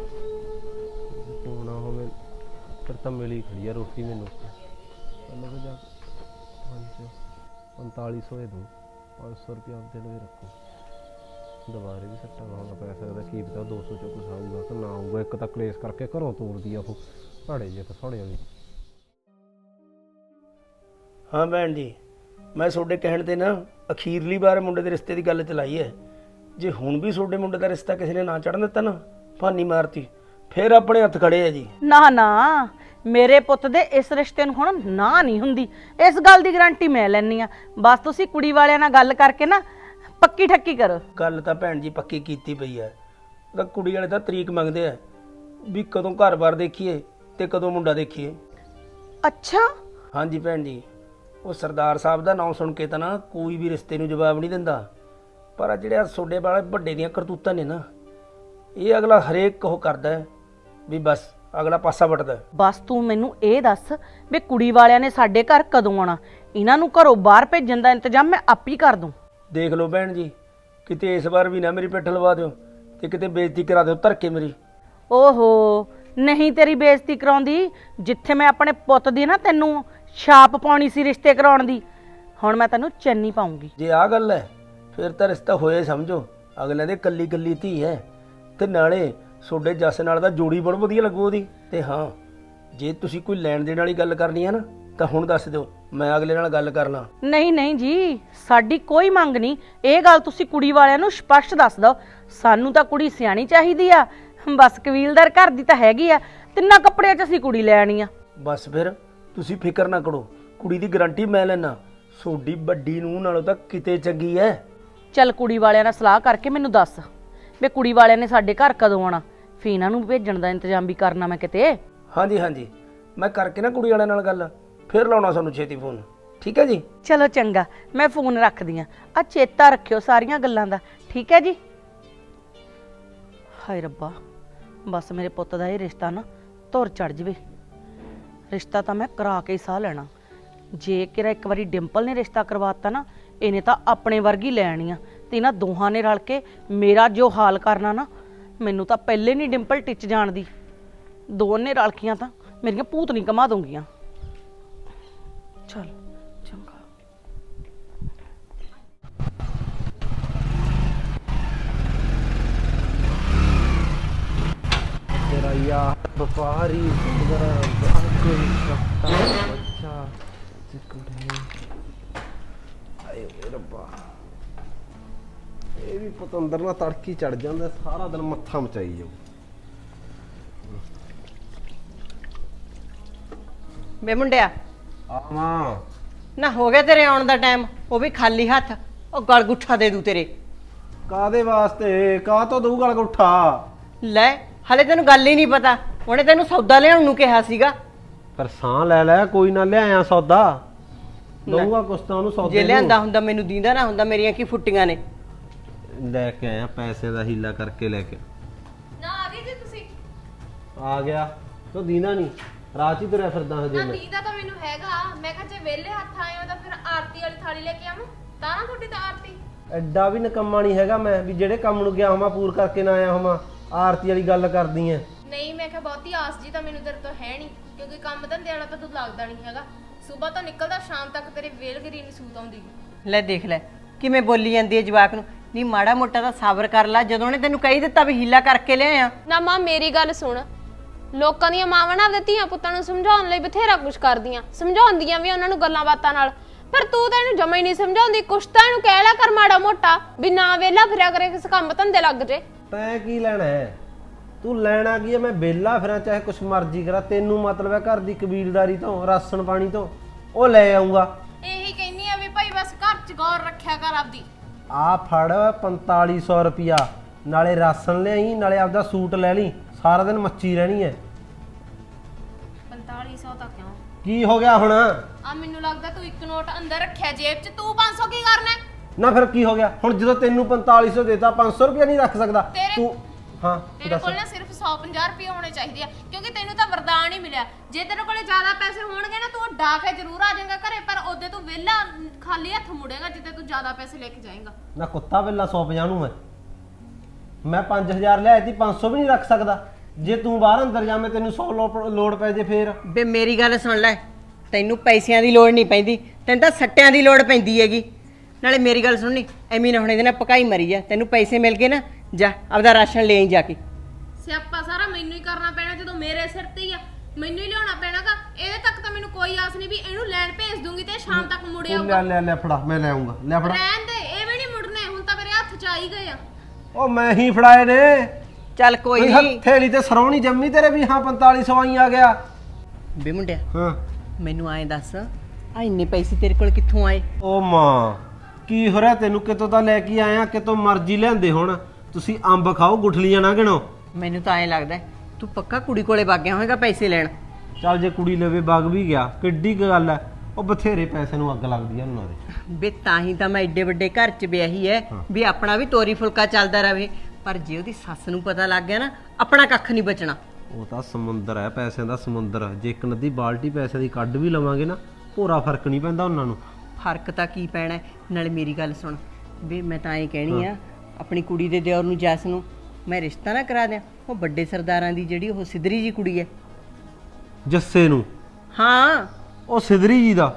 H: ਹੋਣਾ ਹੋਵੇ ਫਿਰ ਤਾਂ ਮਿਲੀ ਖੜੀ ਆ ਰੋਟੀ ਮੈਨੂੰ। ਚੱਲ ਜਾ ਪੰਜ ਪੰਤਾਲੀ ਸੌ ਇਹ ਦੋ, ਪੰਜ ਸੌ ਰੁਪਇਆ ਆਪਦੇ ਲਈ ਰੱਖੋ, ਦੁਬਾਰੇ ਵੀ ਸੱਟਾ ਲਾਉਣਾ ਪੈ ਸਕਦਾ, ਕੀ ਪਤਾ ਦੋ ਸੌ ਚੋਂ ਕੁਛ ਆਊਗਾ ਕਿ ਨਾ ਆਊਗਾ। ਇੱਕ ਤਾਂ ਕਲੇਸ਼ ਕਰਕੇ ਘਰੋਂ ਤੋਰਦੀ ਆ ਉਹ ਭਾੜੇ ਜੇ ਤਾਂ ਸੋਹਣੇ ਵਾਲੀ।
F: ਹਾਂ ਭੈਣ ਜੀ, ਮੈਂ ਤੁਹਾਡੇ ਕਹਿਣ ਤੇ ਨਾ ਅਖੀਰਲੀ ਵਾਰ ਮੁੰਡੇ ਦੇ ਰਿਸ਼ਤੇ ਦੀ ਗੱਲ ਚਲਾਈ ਹੈ। ਜੇ ਹੁਣ ਵੀ ਤੁਹਾਡੇ ਮੁੰਡੇ ਦਾ ਰਿਸ਼ਤਾ ਕਿਸੇ ਨੇ ਨਾ ਚੜਨ ਦਿੱਤਾ ਨਾ, ਭਾਨੀ ਮਾਰਤੀ, ਫਿਰ ਆਪਣੇ ਹੱਥ ਖੜੇ ਆ ਜੀ।
G: ਨਾ ਨਾ, ਮੇਰੇ ਪੁੱਤ ਦੇ ਇਸ ਰਿਸ਼ਤੇ ਨੂੰ ਹੁਣ ਨਾ ਨਹੀਂ ਹੁੰਦੀ, ਇਸ ਗੱਲ ਦੀ ਗਾਰੰਟੀ ਮੈਂ ਲੈਣੀ ਆ। ਬਸ ਤੁਸੀਂ ਕੁੜੀ ਵਾਲਿਆਂ ਨਾਲ ਗੱਲ ਕਰਕੇ ਨਾ ਪੱਕੀ ਠੱਕੀ ਕਰੋ।
F: ਗੱਲ ਤਾਂ ਭੈਣ ਜੀ ਪੱਕੀ ਕੀਤੀ ਪਈ ਹੈ, ਤਾਂ ਕੁੜੀ ਵਾਲੇ ਤਾਂ ਤਰੀਕ ਮੰਗਦੇ ਆ ਵੀ ਕਦੋਂ ਘਰ-ਬਾਰ ਦੇਖੀਏ ਤੇ ਕਦੋਂ ਮੁੰਡਾ ਦੇਖੀਏ।
G: ਅੱਛਾ
F: ਹਾਂਜੀ ਭੈਣ ਜੀ, ਉਹ ਸਰਦਾਰ ਸਾਹਿਬ ਦਾ ਨਾਮ ਸੁਣ ਕੇ ਤਾਂ ਨਾ ਕੋਈ ਵੀ ਰਿਸ਼ਤੇ ਨੂੰ ਜਵਾਬ ਨਹੀਂ ਦਿੰਦਾ, ਪਰ ਆ ਜਿਹੜੇ ਤੁਹਾਡੇ ਵਾਲੇ ਵੱਡੇ ਦੀਆਂ ਕਰਤੂਤਾਂ ਨੇ ਨਾ, ਇਹ ਅਗਲਾ ਹਰੇਕ ਉਹ ਕਰਦਾ ਹੈ ਵੀ ਬਸ ਅਗਲਾ ਪਾਸਾ ਵੱਟਦਾ।
G: ਬਸ ਤੂੰ ਮੈਨੂੰ ਇਹ ਦੱਸ ਵੀ ਕੁੜੀ ਵਾਲਿਆਂ ਨੇ ਸਾਡੇ ਘਰ ਕਦੋਂ ਆਉਣਾ? ਇਹਨਾਂ ਨੂੰ ਘਰੋਂ ਬਾਹਰ ਭੇਜਣ ਦਾ ਇੰਤਜ਼ਾਮ ਮੈਂ ਆਪ ਹੀ ਕਰ ਦੂੰ।
F: ਦੇਖ ਲਓ ਭੈਣ ਜੀ, ਕਿਤੇ ਇਸ ਵਾਰ ਵੀ ਨਾ ਮੇਰੀ ਪਿੱਠ ਲਵਾ ਦਿਓ ਤੇ ਕਿਤੇ ਬੇਇੱਜ਼ਤੀ ਕਰਾ ਦਿਓ ਧਰ ਕੇ ਮੇਰੀ।
G: ਓਹੋ ਨਹੀਂ, ਤੇਰੀ ਬੇਇੱਜ਼ਤੀ ਕਰਾਉਂਦੀ, ਜਿੱਥੇ ਮੈਂ ਆਪਣੇ ਪੁੱਤ ਦੀ ਨਾ ਤੈਨੂੰ ਛਾਪ ਪਾਉਣੀ ਸੀ ਰਿਸ਼ਤੇ ਕਰਾਉਣ ਦੀ, ਹੁਣ ਮੈਂ ਤੈਨੂੰ ਚੰਨੀ ਪਾਉਂਗੀ।
F: ਜੇ ਆਹ ਗੱਲ ਹੈ ਫਿਰ ਤਾਂ ਰਿਸ਼ਤਾ ਹੋਇਆ ਸਮਝੋ, ਅਗਲਿਆਂ ਦੇ ਕੱਲੀ ਕੱਲੀ ਧੀ ਹੈ, ਤੇ ਨਾਲੇ ਤੁਹਾਡੇ ਜੱਸ ਨਾਲ ਦਾ ਜੋੜੀ ਬੜੀ ਵਧੀਆ ਲੱਗੂ ਉਹਦੀ। ਤੇ ਹਾਂ, ਜੇ ਤੁਸੀਂ ਕੋਈ ਲੈਣ ਦੇਣ ਵਾਲੀ ਗੱਲ ਕਰਨੀ ਹੈ ਨਾ ਤਾਂ ਹੁਣ ਦੱਸ ਦਿਓ, ਮੈਂ ਅਗਲੇ ਨਾਲ ਗੱਲ ਕਰ ਲਾਂ।
G: ਨਹੀਂ ਨਹੀਂ ਜੀ, ਸਾਡੀ ਕੋਈ ਮੰਗ ਨਹੀਂ, ਇਹ ਗੱਲ ਤੁਸੀਂ ਕੁੜੀ ਵਾਲਿਆਂ ਨੂੰ ਸਪਸ਼ਟ ਦੱਸ ਦਿਓ। ਸਾਨੂੰ ਤਾਂ ਕੁੜੀ ਸਿਆਣੀ ਚਾਹੀਦੀ ਆ, ਬਸ ਕਬੀਲਦਾਰ ਘਰ ਦੀ ਤਾਂ ਹੈਗੀ ਆ, ਤਿੰਨਾਂ ਕੱਪੜਿਆਂ 'ਚ ਅਸੀਂ ਕੁੜੀ ਲੈ ਆਣੀ ਆ।
F: ਬਸ ਫਿਰ ਤੁਸੀਂ ਫਿਕਰ ਨਾ ਕਰੋ, ਕੁੜੀ ਦੀ ਗਾਰੰਟੀ ਮੈਂ ਲੈਣਾ। ਸੋਡੀ ਵੱਡੀ ਨੂੰ ਨਾਲੋਂ ਤਾਂ ਕਿਤੇ ਚੰਗੀ ਐ।
G: ਚੱਲ ਕੁੜੀ ਵਾਲਿਆਂ ਨਾਲ ਸਲਾਹ ਕਰਕੇ ਮੈਨੂੰ ਦੱਸ ਵੀ ਕੁੜੀ ਵਾਲਿਆਂ ਨੇ ਸਾਡੇ ਘਰ ਕਦੋਂ ਆਉਣਾ, ਫੇਰ ਇਹਨਾਂ ਨੂੰ ਭੇਜਣ ਦਾ ਇੰਤਜ਼ਾਮ ਵੀ ਕਰਨਾ ਮੈਂ ਕਿਤੇ।
F: ਹਾਂਜੀ ਹਾਂਜੀ, ਮੈਂ ਕਰਕੇ ਨਾ ਕੁੜੀ ਵਾਲਿਆਂ ਨਾਲ ਗੱਲ, ਫਿਰ ਲਾਉਣਾ ਸਾਨੂੰ ਛੇਤੀ ਫੋਨ, ਠੀਕ ਹੈ ਜੀ।
G: ਚਲੋ ਚੰਗਾ, ਮੈਂ ਫੋਨ ਰੱਖਦੀ ਆ। ਆ ਚੇਤਾ ਰੱਖਿਓ ਸਾਰੀਆਂ ਗੱਲਾਂ ਦਾ, ਠੀਕ ਹੈ ਜੀ। ਹਾਏ ਰੱਬਾ, ਬਸ ਮੇਰੇ ਪੁੱਤ ਦਾ ਇਹ ਰਿਸ਼ਤਾ ਨਾ ਧੁਰ ਚੜ ਜਵੇ। ਰਿਸ਼ਤਾ ਤਾਂ ਮੈਂ ਕਰਾ ਕੇ ਹੀ ਸਾਹ ਲੈਣਾ। ਜੇ ਕਿਰਾ ਇੱਕ ਵਾਰੀ ਡਿੰਪਲ ਨੇ ਰਿਸ਼ਤਾ ਕਰਵਾਤਾ ਨਾ, ਇਹਨੇ ਤਾਂ ਆਪਣੇ ਵਰਗੀ ਲੈਣੀ ਆ, ਤੇ ਇਹਨਾਂ ਦੋਹਾਂ ਨੇ ਰਲ ਕੇ ਮੇਰਾ ਜੋ ਹਾਲ ਕਰਨਾ ਨਾ, ਮੈਨੂੰ ਤਾਂ ਪਹਿਲੇ ਨਹੀਂ ਡਿੰਪਲ ਟਿੱਚ ਜਾਣਦੀ। ਦੋਨੇ ਰਲਕੀਆਂ ਤਾਂ ਮੇਰੀਆਂ ਭੂਤ ਨਹੀਂ ਕਮਾ ਦੂੰਗੀਆਂ। ਚੱਲ ਚੰਗਾ।
H: ਤੇਰਾ ਯਾਰ ਵਪਾਰੀ ਸੁੰਦਰ ਕੋਈ ਸੱਤਾ ਬੱਚਾ ਚਿਕੜੇ ਆਏ ਓਏ ਰੱਬਾ, ਇਹ ਵੀ ਪਤੰਦਰ ਨਾਲ ਤੜਕੀ ਚੜ ਜਾਂਦਾ, ਸਾਰਾ ਦਿਨ ਮੱਥਾ ਮਚਾਈ ਜਾਊ।
G: ਬੇ ਮੁੰਡਿਆ,
H: ਆਵਾਂ
G: ਨਾ ਹੋ ਗਿਆ ਤੇਰੇ ਆਉਣ ਦਾ ਟਾਈਮ, ਉਹ ਵੀ ਖਾਲੀ ਹੱਥ। ਉਹ ਗਲ ਗੁੱਠਾ ਦੇ ਦੂ ਤੇਰੇ।
H: ਕਾਦੇ ਵਾਸਤੇ, ਕਾਹ ਤੋਂ ਦਊ ਗਲ ਉੱਠਾ?
G: ਲੈ, ਹਲੇ ਤੈਨੂੰ ਗੱਲ ਹੀ ਨਹੀਂ ਪਤਾ, ਉਹਨੇ ਤੈਨੂੰ ਸੌਦਾ ਲਿਆਉਣ ਨੂੰ ਕਿਹਾ ਸੀਗਾ।
H: ਪਰ ਸਾਹ ਲੈ ਲੈ, ਕੋਈ ਨਾ ਲਿਆਇਆ ਸੌਦਾ, ਦਊਗਾ ਕੁਛ ਤਾਂ ਉਹਨੂੰ ਸੌਦੇ
G: ਜੇ
H: ਨੂੰ।
G: ਲਿਆਂਦਾ ਹੁੰਦਾ ਮੈਨੂੰ ਦੀਂਦਾ ਨਾ ਹੁੰਦਾ, ਮੇਰੀਆਂ ਕੀ ਫੁੱਟੀਆਂ ਨੇ।
H: ਲੈ ਕੇ ਆਇਆ, ਪੈਸੇ ਦਾ ਹੀਲਾ ਕਰਕੇ ਲੈ ਕੇ।
C: ਨਾ ਆ ਗਏ ਜੀ ਤੁਸੀਂ?
H: ਆ ਗਿਆ ਤੋ ਦੀਨਾ ਨਹੀਂ, ਰਾਤ ਹੀ ਤੁਰਿਆ ਫਿਰਦਾ ਹਜੇ
C: ਨਾ
H: ਮੈਂ।
C: ਦੀਦਾ ਤਾਂ ਮੈਨੂੰ ਹੈਗਾ, ਮੈਂ ਕਿਹਾ ਜੇ ਵਿਹਲੇ ਹੱਥ ਆਏ ਹੋ ਤਾਂ ਫਿਰ ਆਰਤੀ ਵਾਲੀ ਥਾਲੀ ਲੈ ਕੇ ਆਵਾਂ, ਤਾਂ ਨਾ ਤੁਹਾਡੀ ਤਾਂ ਆਰਤੀ।
H: ਐਡਾ ਵੀ ਨਕੰਮਾ ਨਹੀਂ ਹੈਗਾ ਮੈਂ ਵੀ ਜਿਹੜੇ ਕੰਮ ਨੂੰ ਗਿਆ ਹੋਵਾਂ ਪੂਰ ਕਰਕੇ ਨਾ ਆਇਆ ਹੋਵਾਂ, ਆਰਤੀ ਵਾਲੀ ਗੱਲ ਕਰਦੀ ਐ।
C: ਨਹੀਂ, ਮੈਂ ਕਿਹਾ ਬਹੁਤੀ ਆਸ ਜੀ ਤਾਂ ਮੈਨੂੰ ਤੇਰੇ ਤੋਂ ਹੈ ਨਹੀਂ, ਕਿਉਂਕਿ ਕੰਮ ਧੰਦੇ ਵਾਲਾ ਤਾਂ ਤੂੰ ਲੱਗਦਾ ਨਹੀਂ ਹੈਗਾ। ਸਵੇਰ ਤੋਂ ਨਿਕਲਦਾ ਸ਼ਾਮ ਤੱਕ ਤੇਰੇ ਵੇਲਗਰੀ ਨਹੀਂ ਸੂਤ ਆਉਂਦੀ।
G: ਲੈ ਦੇਖ ਲੈ ਕਿਵੇਂ ਬੋਲੀ ਜਾਂਦੀ ਹੈ ਜਵਾਕ ਨੂੰ। ਨਹੀਂ ਮਾੜਾ ਮੋਟਾ ਤਾਂ ਸਬਰ ਕਰ ਲੈ, ਜਦੋਂ ਉਹਨੇ ਤੈਨੂੰ ਕਹੀ ਦਿੱਤਾ ਵੀ ਹੀਲਾ ਕਰਕੇ ਲਿਆਇਆ।
C: ਨਾ ਮਾਂ ਮੇਰੀ ਗੱਲ ਸੁਣ, ਲੋਕਾਂ ਦੀਆਂ ਮਾਵਾਂ ਨਾ ਆਪਦੇ ਧੀਆਂ ਪੁੱਤਾਂ ਨੂੰ ਸਮਝਾਉਣ ਲਈ ਬਥੇਰਾ ਕੁਝ ਕਰਦੀਆਂ, ਸਮਝਾਉਂਦੀਆਂ ਵੀ ਉਹਨਾਂ ਨੂੰ ਗੱਲਾਂ ਬਾਤਾਂ ਨਾਲ, ਪਰ ਤੂੰ ਤਾਂ ਇਹਨੂੰ ਜਮਾ ਹੀ ਨਹੀਂ ਸਮਝਾਉਂਦੀ। ਕੁਛ ਤਾਂ ਇਹਨੂੰ ਕਹਿ ਲਿਆ ਕਰ ਮਾੜਾ ਮੋਟਾ, ਵੀ ਨਾ ਵੇਲਾ ਫਿਰਿਆ ਕਰੇ, ਕਿਸੇ ਕੰਮ ਧੰਦੇ ਲੱਗ ਜੇ।
H: ਤੈਂ ਕੀ ਲੈਣਾ ਹੈ? ਤੂੰ ਲੈਣਾ ਕੀ ਹੈ? ਮੈਂ ਬੇਲਾ ਫਿਰਾਂ ਚਾਹੇ ਕੁਛ ਮਰਜ਼ੀ ਕਰਾਂ, ਤੈਨੂੰ ਮਤਲਬ ਹੈ ਘਰ ਦੀ ਕਬੀਲਦਾਰੀ ਤੋਂ, ਰਾਸ਼ਨ ਪਾਣੀ ਤੋਂ, ਉਹ ਲੈ ਆਉਂਗਾ।
C: ਇਹੀ ਕਹਿੰਨੀ ਆ ਵੀ ਭਾਈ ਬਸ ਘਰ ਚ ਗੌਰ ਰੱਖਿਆ ਕਰ ਆਪਦੀ।
H: ਆ ਫੜ ਪੰਤਾਲੀ ਸੌ ਰੁਪਿਆ, ਨਾਲੇ ਰਾਸ਼ਨ ਲਿਆਈ, ਨਾਲੇ ਆਪਦਾ ਸੂਟ ਲੈ ਲਈ, ਸਾਰਾ ਦਿਨ ਮੱਚੀ ਰਹਿਣੀ ਹੈ।
C: ਪੰਤਾਲੀ ਸੌ ਤਾਂ ਕਿਉਂ?
H: ਕੀ ਹੋ ਗਿਆ ਹੁਣ?
C: ਆ ਮੈਨੂੰ ਲੱਗਦਾ ਤੂੰ ਇੱਕ ਨੋਟ ਅੰਦਰ ਰੱਖਿਆ ਜੇਬ 'ਚ, ਤੂੰ ਪੰਜ ਸੌ ਕੀ ਕਰਨਾ?
H: ਨਾ ਫਿਰ ਕੀ ਹੋ ਗਿਆ ਹੁਣ? ਜਦੋਂ ਤੈਨੂੰ ਪੰਤਾਲੀ ਸੌ ਦੇਤਾ, ਪੰਜ ਸੌ ਰੁਪਿਆ ਨਹੀਂ ਰੱਖ ਸਕਦਾ
C: ਤੇਰੇ-
H: ਤੂੰ? ਹਾਂ
C: ਤੇਰੇ
H: ਦੱਸ।
C: ਕੋਲ ਨਾ ਸਿਰਫ ਸੌ ਪੰਜਾਹ ਰੁਪਏ ਹੋਣੇ ਚਾਹੀਦੇ ਆ, ਕਿਉਂਕਿ ਤੈਨੂੰ ਤਾਂ ਵਰਦਾਨ ਹੀ ਮਿਲਿਆ। ਜੇ ਤੇਰੇ ਕੋਲੇ ਜ਼ਿਆਦਾ ਪੈਸੇ ਹੋਣਗੇ ਨਾ, ਤੂੰ ਡਾ ਕੇ ਜ਼ਰੂਰ ਆ ਜਾਏਗਾ ਘਰੇ, ਪਰ ਉਹਦੇ ਤੂੰ ਵਿਹਲਾ ਖਾਲੀ ਹੱਥ ਮੁੜੇਗਾ ਜਿੱਦੇ ਤੂੰ ਜ਼ਿਆਦਾ ਪੈਸੇ ਲੈ ਕੇ ਜਾਏਗਾ।
H: ਨਾ ਕੁੱਤਾ ਵੇਲਾ ਸੌ ਪੰਜਾਹ ਨੂੰ ਮੈਂ ਮੈਂ ਪੰਜ ਹਜ਼ਾਰ ਲਿਆਇਆ ਸੀ, ਪੰਜ ਸੌ ਵੀ ਨਹੀਂ ਰੱਖ ਸਕਦਾ। ਜੇ ਤੂੰ ਬਾਹਰ ਅੰਦਰ ਜਾਵੇਂ, ਤੈਨੂੰ ਸੌ ਲੋੜ ਪੈ ਜੇ ਫੇਰ।
G: ਬੇ ਮੇਰੀ ਗੱਲ ਸੁਣ ਲੈ, ਤੈਨੂੰ ਪੈਸਿਆਂ ਦੀ ਲੋੜ ਨਹੀਂ ਪੈਂਦੀ, ਤੈਨੂੰ ਤਾਂ ਸੱਟਿਆਂ ਦੀ ਲੋੜ ਪੈਂਦੀ ਹੈਗੀ। ਨਾਲੇ ਮੇਰੀ ਗੱਲ ਸੁਣਨੀ, ਐਵੇਂ ਨਾ ਹੁਣ ਇਹਦੇ ਨਾਲ ਪਕਾਈ ਮਰੀ ਜਾ। ਤੈਨੂੰ ਪੈਸੇ ਮਿਲ ਗਏ ਨਾ, ਜਾ ਆਪਦਾ ਰਾਸ਼ਨ ਲੈ ਆਈ ਜਾ ਕੇ।
C: ਸਿਆਪਾ ਸਾਰਾ ਮੈਨੂੰ ਹੀ ਕਰਨਾ ਪੈਣਾ, ਜਦੋਂ ਮੇਰੇ ਸਿਰ ਤੇ ਹੀ ਆ, ਮੈਨੂੰ ਹੀ ਲਿਆਉਣਾ ਪੈਣਾਗਾ। ਇਹਦੇ ਤੱਕ ਤਾਂ ਮੈਨੂੰ ਕੋਈ ਆਸ ਨਹੀਂ ਵੀ ਇਹਨੂੰ ਲੈਣ ਭੇਜ ਦੂੰਗੀ ਤੇ ਸ਼ਾਮ ਤੱਕ ਮੁੜ
H: ਲੈ
C: ਆਊਗਾ।
H: ਲੈ ਲੈ ਫੜਾ, ਮੈਂ ਲੈ ਆਉਂਗਾ। ਲੈ ਫੜਾ।
C: ਰਹਿਣ ਦੇ, ਇਹ ਵੀ ਨਹੀਂ ਮੁੜਨੇ, ਹੁਣ ਤਾਂ ਮੇਰੇ ਹੱਥ 'ਚ ਆ ਹੀ ਗਏ ਆ।
H: ਉਹ ਮੈਂ ਹੀ ਫੜਾਏ ਨੇ।
G: ਚੱਲ ਕੋਈ
H: ਕੋਈ
G: ਨਹੀਂ।
H: ਹਥੇਲੀ ਤੇ ਸਰੋਣੀ ਜੰਮੀ ਤੇਰੇ ਵੀ, ਹਾਂ ਪੰਤਾਲੀ ਸੌ ਆਈ ਆ ਗਿਆ।
G: ਬੇ ਮੁੰਡਿਆ,
H: ਹਾਂ
G: ਮੈਨੂੰ ਐਂ ਦੱਸ, ਆ ਇੰਨੇ ਪੈਸੇ ਤੇਰੇ ਕੋਲ ਕਿੱਥੋਂ ਆਏ?
H: ਓ ਮਾਂ, ਕੀ ਹੋ ਰਿਹਾ ਤੈਨੂੰ? ਕਿਤੋਂ ਤਾਂ ਲੈ ਕੇ ਆਇਆ, ਕਿਤੋਂ ਮਰਜ਼ੀ ਲਿਆਂਦੇ। ਹੁਣ ਤੁਸੀਂ ਅੰਬ ਖਾਓ, ਗੁਠਲੀਆਂ ਨਾ ਗਿਣੋ।
G: ਮੈਨੂੰ ਤਾਂ ਐਂ ਲੱਗਦਾ ਤੂੰ ਪੱਕਾ ਕੁੜੀ ਕੋਲੇ ਵਗ ਗਿਆ ਹੋਵੇਗਾ ਪੈਸੇ ਲੈਣ।
H: ਚੱਲ ਜੇ ਕੁੜੀ ਲਵੇ ਵਗ ਵੀ ਗਿਆ, ਕਿੱਡੀ ਕੁ ਗੱਲ ਐ? ਉਹ ਬਥੇਰੇ ਪੈਸੇ ਨੂੰ ਅੱਗ ਲੱਗਦੀ ਐ ਉਹਨਾਂ ਦੇ।
G: ਬੇ ਤਾਂ ਹੀ ਤਾਂ ਮੈਂ ਏਡੇ ਵੱਡੇ ਘਰ 'ਚ ਵਿਆਹੀ ਐ ਵੀ ਆਪਣਾ ਵੀ ਤੋਰੀ ਫੁਲਕਾ ਚੱਲਦਾ ਰਵੇ, ਪਰ ਜੇ ਉਹਦੀ ਸੱਸ ਨੂੰ ਪਤਾ ਲੱਗ ਗਿਆ ਨਾ, ਆਪਣਾ ਕੱਖ ਨਹੀਂ ਬਚਣਾ।
H: ਉਹ ਤਾਂ ਸਮੁੰਦਰ ਹੈ, ਪੈਸਿਆਂ ਦਾ ਸਮੁੰਦਰ। ਜੇ ਇੱਕ ਨਦੀ ਬਾਲਟੀ ਪੈਸਿਆਂ ਦੀ ਕੱਢ ਵੀ ਲਵਾਂਗੇ ਨਾ, ਭੋਰਾ ਫਰਕ ਨਹੀਂ ਪੈਂਦਾ ਉਹਨਾਂ ਨੂੰ।
G: ਫਰਕ ਤਾਂ ਕੀ ਪੈਣਾ? ਨਾਲੇ ਮੇਰੀ ਗੱਲ ਸੁਣ ਵੀ, ਮੈਂ ਤਾਂ ਐਂ ਕਹਿਣੀ ਆ, ਆਪਣੀ ਕੁੜੀ ਦੇ ਦਿਓਰ ਨੂੰ, ਜੱਸ ਨੂੰ ਮੈਂ ਰਿਸ਼ਤਾ ਨਾ ਕਰਾ ਦਿਆਂ। ਉਹ ਵੱਡੇ ਸਰਦਾਰਾਂ ਦੀ ਜਿਹੜੀ ਉਹ ਸਿਧਰੀ ਜੀ ਕੁੜੀ ਐ।
H: ਜੱਸੇ ਨੂੰ?
G: ਹਾਂ,
H: ਉਹ ਸਿਧਰੀ ਜੀ ਦਾ?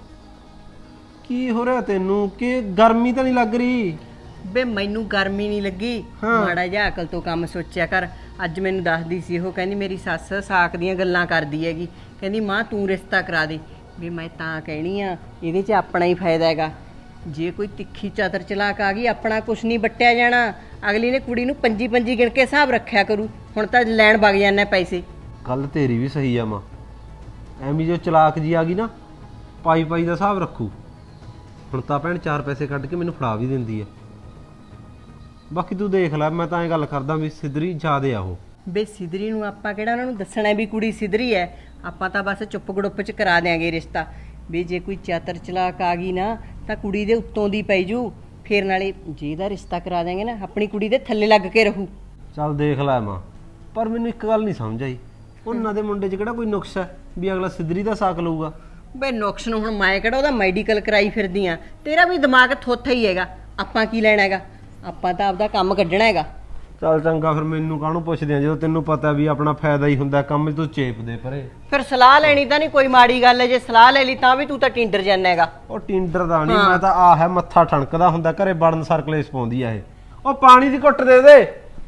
H: ਕੀ ਹੋ ਰਿਹਾ ਤੈਨੂੰ? ਕਿ ਗਰਮੀ ਤਾਂ ਨਹੀਂ ਲੱਗ ਰਹੀ?
G: ਬੇ ਮੈਨੂੰ ਗਰਮੀ ਨਹੀਂ ਲੱਗੀ, ਮਾੜਾ ਜਿਹਾ ਅਕਲ ਤੋਂ ਕੰਮ ਸੋਚਿਆ ਕਰ। ਅੱਜ ਮੈਨੂੰ ਦੱਸਦੀ ਸੀ ਉਹ, ਕਹਿੰਦੀ ਮੇਰੀ ਸੱਸ ਸਾਕ ਦੀਆਂ ਗੱਲਾਂ ਕਰਦੀ ਹੈਗੀ, ਕਹਿੰਦੀ ਮਾਂ ਤੂੰ ਰਿਸ਼ਤਾ ਕਰਾ ਦੇ। ਵੀ ਮੈਂ ਤਾਂ ਕਹਿਣੀ ਆ, ਇਹਦੇ 'ਚ ਆਪਣਾ ਹੀ ਫਾਇਦਾ ਹੈਗਾ। ਜੇ ਕੋਈ ਤਿੱਖੀ ਚਾਦਰ ਚਲਾਕ ਆ ਗਈ, ਆਪਣਾ ਕੁਛ ਨਹੀਂ ਵੱਟਿਆ ਜਾਣਾ। ਅਗਲੀ ਨੇ ਕੁੜੀ ਨੂੰ ਪੰਜੀ ਪੰਜੀ ਗਿਣ ਕੇ ਹਿਸਾਬ ਰੱਖਿਆ ਕਰੂ। ਹੁਣ ਤਾਂ ਲੈਣ ਵਗ ਜਾਂਦੇ ਪੈਸੇ।
H: ਗੱਲ ਤੇਰੀ ਵੀ ਸਹੀ ਆ ਮਾਂ, ਐਵੇਂ ਜੋ ਚਲਾਕ ਜੀ ਆ ਗਈ ਨਾ, ਪਾਈ ਪਾਈ ਦਾ ਹਿਸਾਬ ਰੱਖੂ। ਹੁਣ ਤਾਂ ਭੈਣ ਚਾਰ ਪੈਸੇ ਕੱਢ ਕੇ ਮੈਨੂੰ ਫੜਾ ਵੀ ਦਿੰਦੀ ਐ। ਬਾਕੀ ਤੂੰ ਦੇਖ ਲੈ, ਮੈਂ ਤਾਂ ਐਂ ਗੱਲ ਕਰਦਾ ਵੀ ਸਿੱਧਰੀ ਜ਼ਿਆਦੇ ਆ ਉਹ।
G: ਬੇ ਸਿਧਰੀ ਨੂੰ ਆਪਾਂ ਕਿਹੜਾ ਉਹਨਾਂ ਨੂੰ ਦੱਸਣਾ ਵੀ ਕੁੜੀ ਸਿਧਰੀ ਐ? ਆਪਾਂ ਤਾਂ ਬਸ ਚੁੱਪ ਗੜੁੱਪ ਚ ਕਰਾ ਦਿਆਂਗੇ ਰਿਸ਼ਤਾ। ਵੀ ਜੇ ਕੋਈ ਚਾਤਰ ਚਲਾਕ ਆ ਗਈ ਨਾ ਤਾਂ ਕੁੜੀ ਦੇ ਉੱਤੋਂ ਦੀ ਪੈ ਜੂ। ਫੇਰ ਨਾਲੇ ਜੇ ਇਹਦਾ ਰਿਸ਼ਤਾ ਕਰਾ ਦਿਆਂਗੇ ਨਾ, ਆਪਣੀ ਕੁੜੀ ਦੇ ਥੱਲੇ ਲੱਗ ਕੇ ਰਹੂ।
H: ਚੱਲ ਦੇਖ ਲੈ ਮਾਂ, ਪਰ ਮੈਨੂੰ ਇੱਕ ਗੱਲ ਨਹੀਂ ਸਮਝ ਆਈ, ਉਹਨਾਂ ਦੇ ਮੁੰਡੇ 'ਚ ਕਿਹੜਾ ਕੋਈ ਨੁਕਸ ਹੈ ਵੀ ਅਗਲਾ ਸਿੱਧਰੀ ਦਾ ਸਾਕ ਲਊਗਾ?
G: ਬੇ ਨੁਕਸ ਨੂੰ ਹੁਣ ਮੈਂ ਕਿਹੜਾ ਉਹਦਾ ਮੈਡੀਕਲ ਕਰਾਈ ਫਿਰਦੀ ਆ? ਤੇਰਾ ਵੀ ਦਿਮਾਗ ਥੋਥਾ ਹੀ ਹੈਗਾ। ਆਪਾਂ ਕੀ ਲੈਣਾ ਹੈਗਾ? ਆਪਾਂ ਤਾਂ ਆਪਦਾ ਕੰਮ ਕੱਢਣਾ ਹੈਗਾ।
H: ਚੱਲ ਚੰਗਾ, ਫਿਰ ਮੈਨੂੰ ਕਾਹਨੂੰ ਪੁੱਛਦੇ ਆ ਜਦੋਂ ਤੈਨੂੰ ਪਤਾ ਵੀ ਆਪਣਾ ਫਾਇਦਾ ਹੀ ਹੁੰਦਾ ਕੰਮ 'ਚ, ਤੂੰ ਚੇਪ ਦੇ ਪਰੇ।
G: ਫਿਰ ਸਲਾਹ ਲੈਣੀ ਤਾਂ ਨਹੀਂ ਕੋਈ ਮਾੜੀ ਗੱਲ ਹੈ, ਜੇ ਸਲਾਹ ਲੈ ਲਈ ਤਾਂ ਵੀ ਤੂੰ ਤਾਂ ਟਿੰਡਰ ਜਾਂਦਾ ਹੈਗਾ।
H: ਉਹ ਟਿੰਡਰ ਦਾ ਨਹੀਂ, ਮੈਂ ਤਾਂ ਆਹ ਹੈ ਮੱਥਾ ਠਣਕਦਾ ਹੁੰਦਾ ਘਰੇ ਬੜਨ ਸਰਕਲੇਸ ਪਾਉਂਦੀ ਆ ਇਹ। ਉਹ ਪਾਣੀ ਦੀ ਘੁੱਟ ਦੇ ਦੇ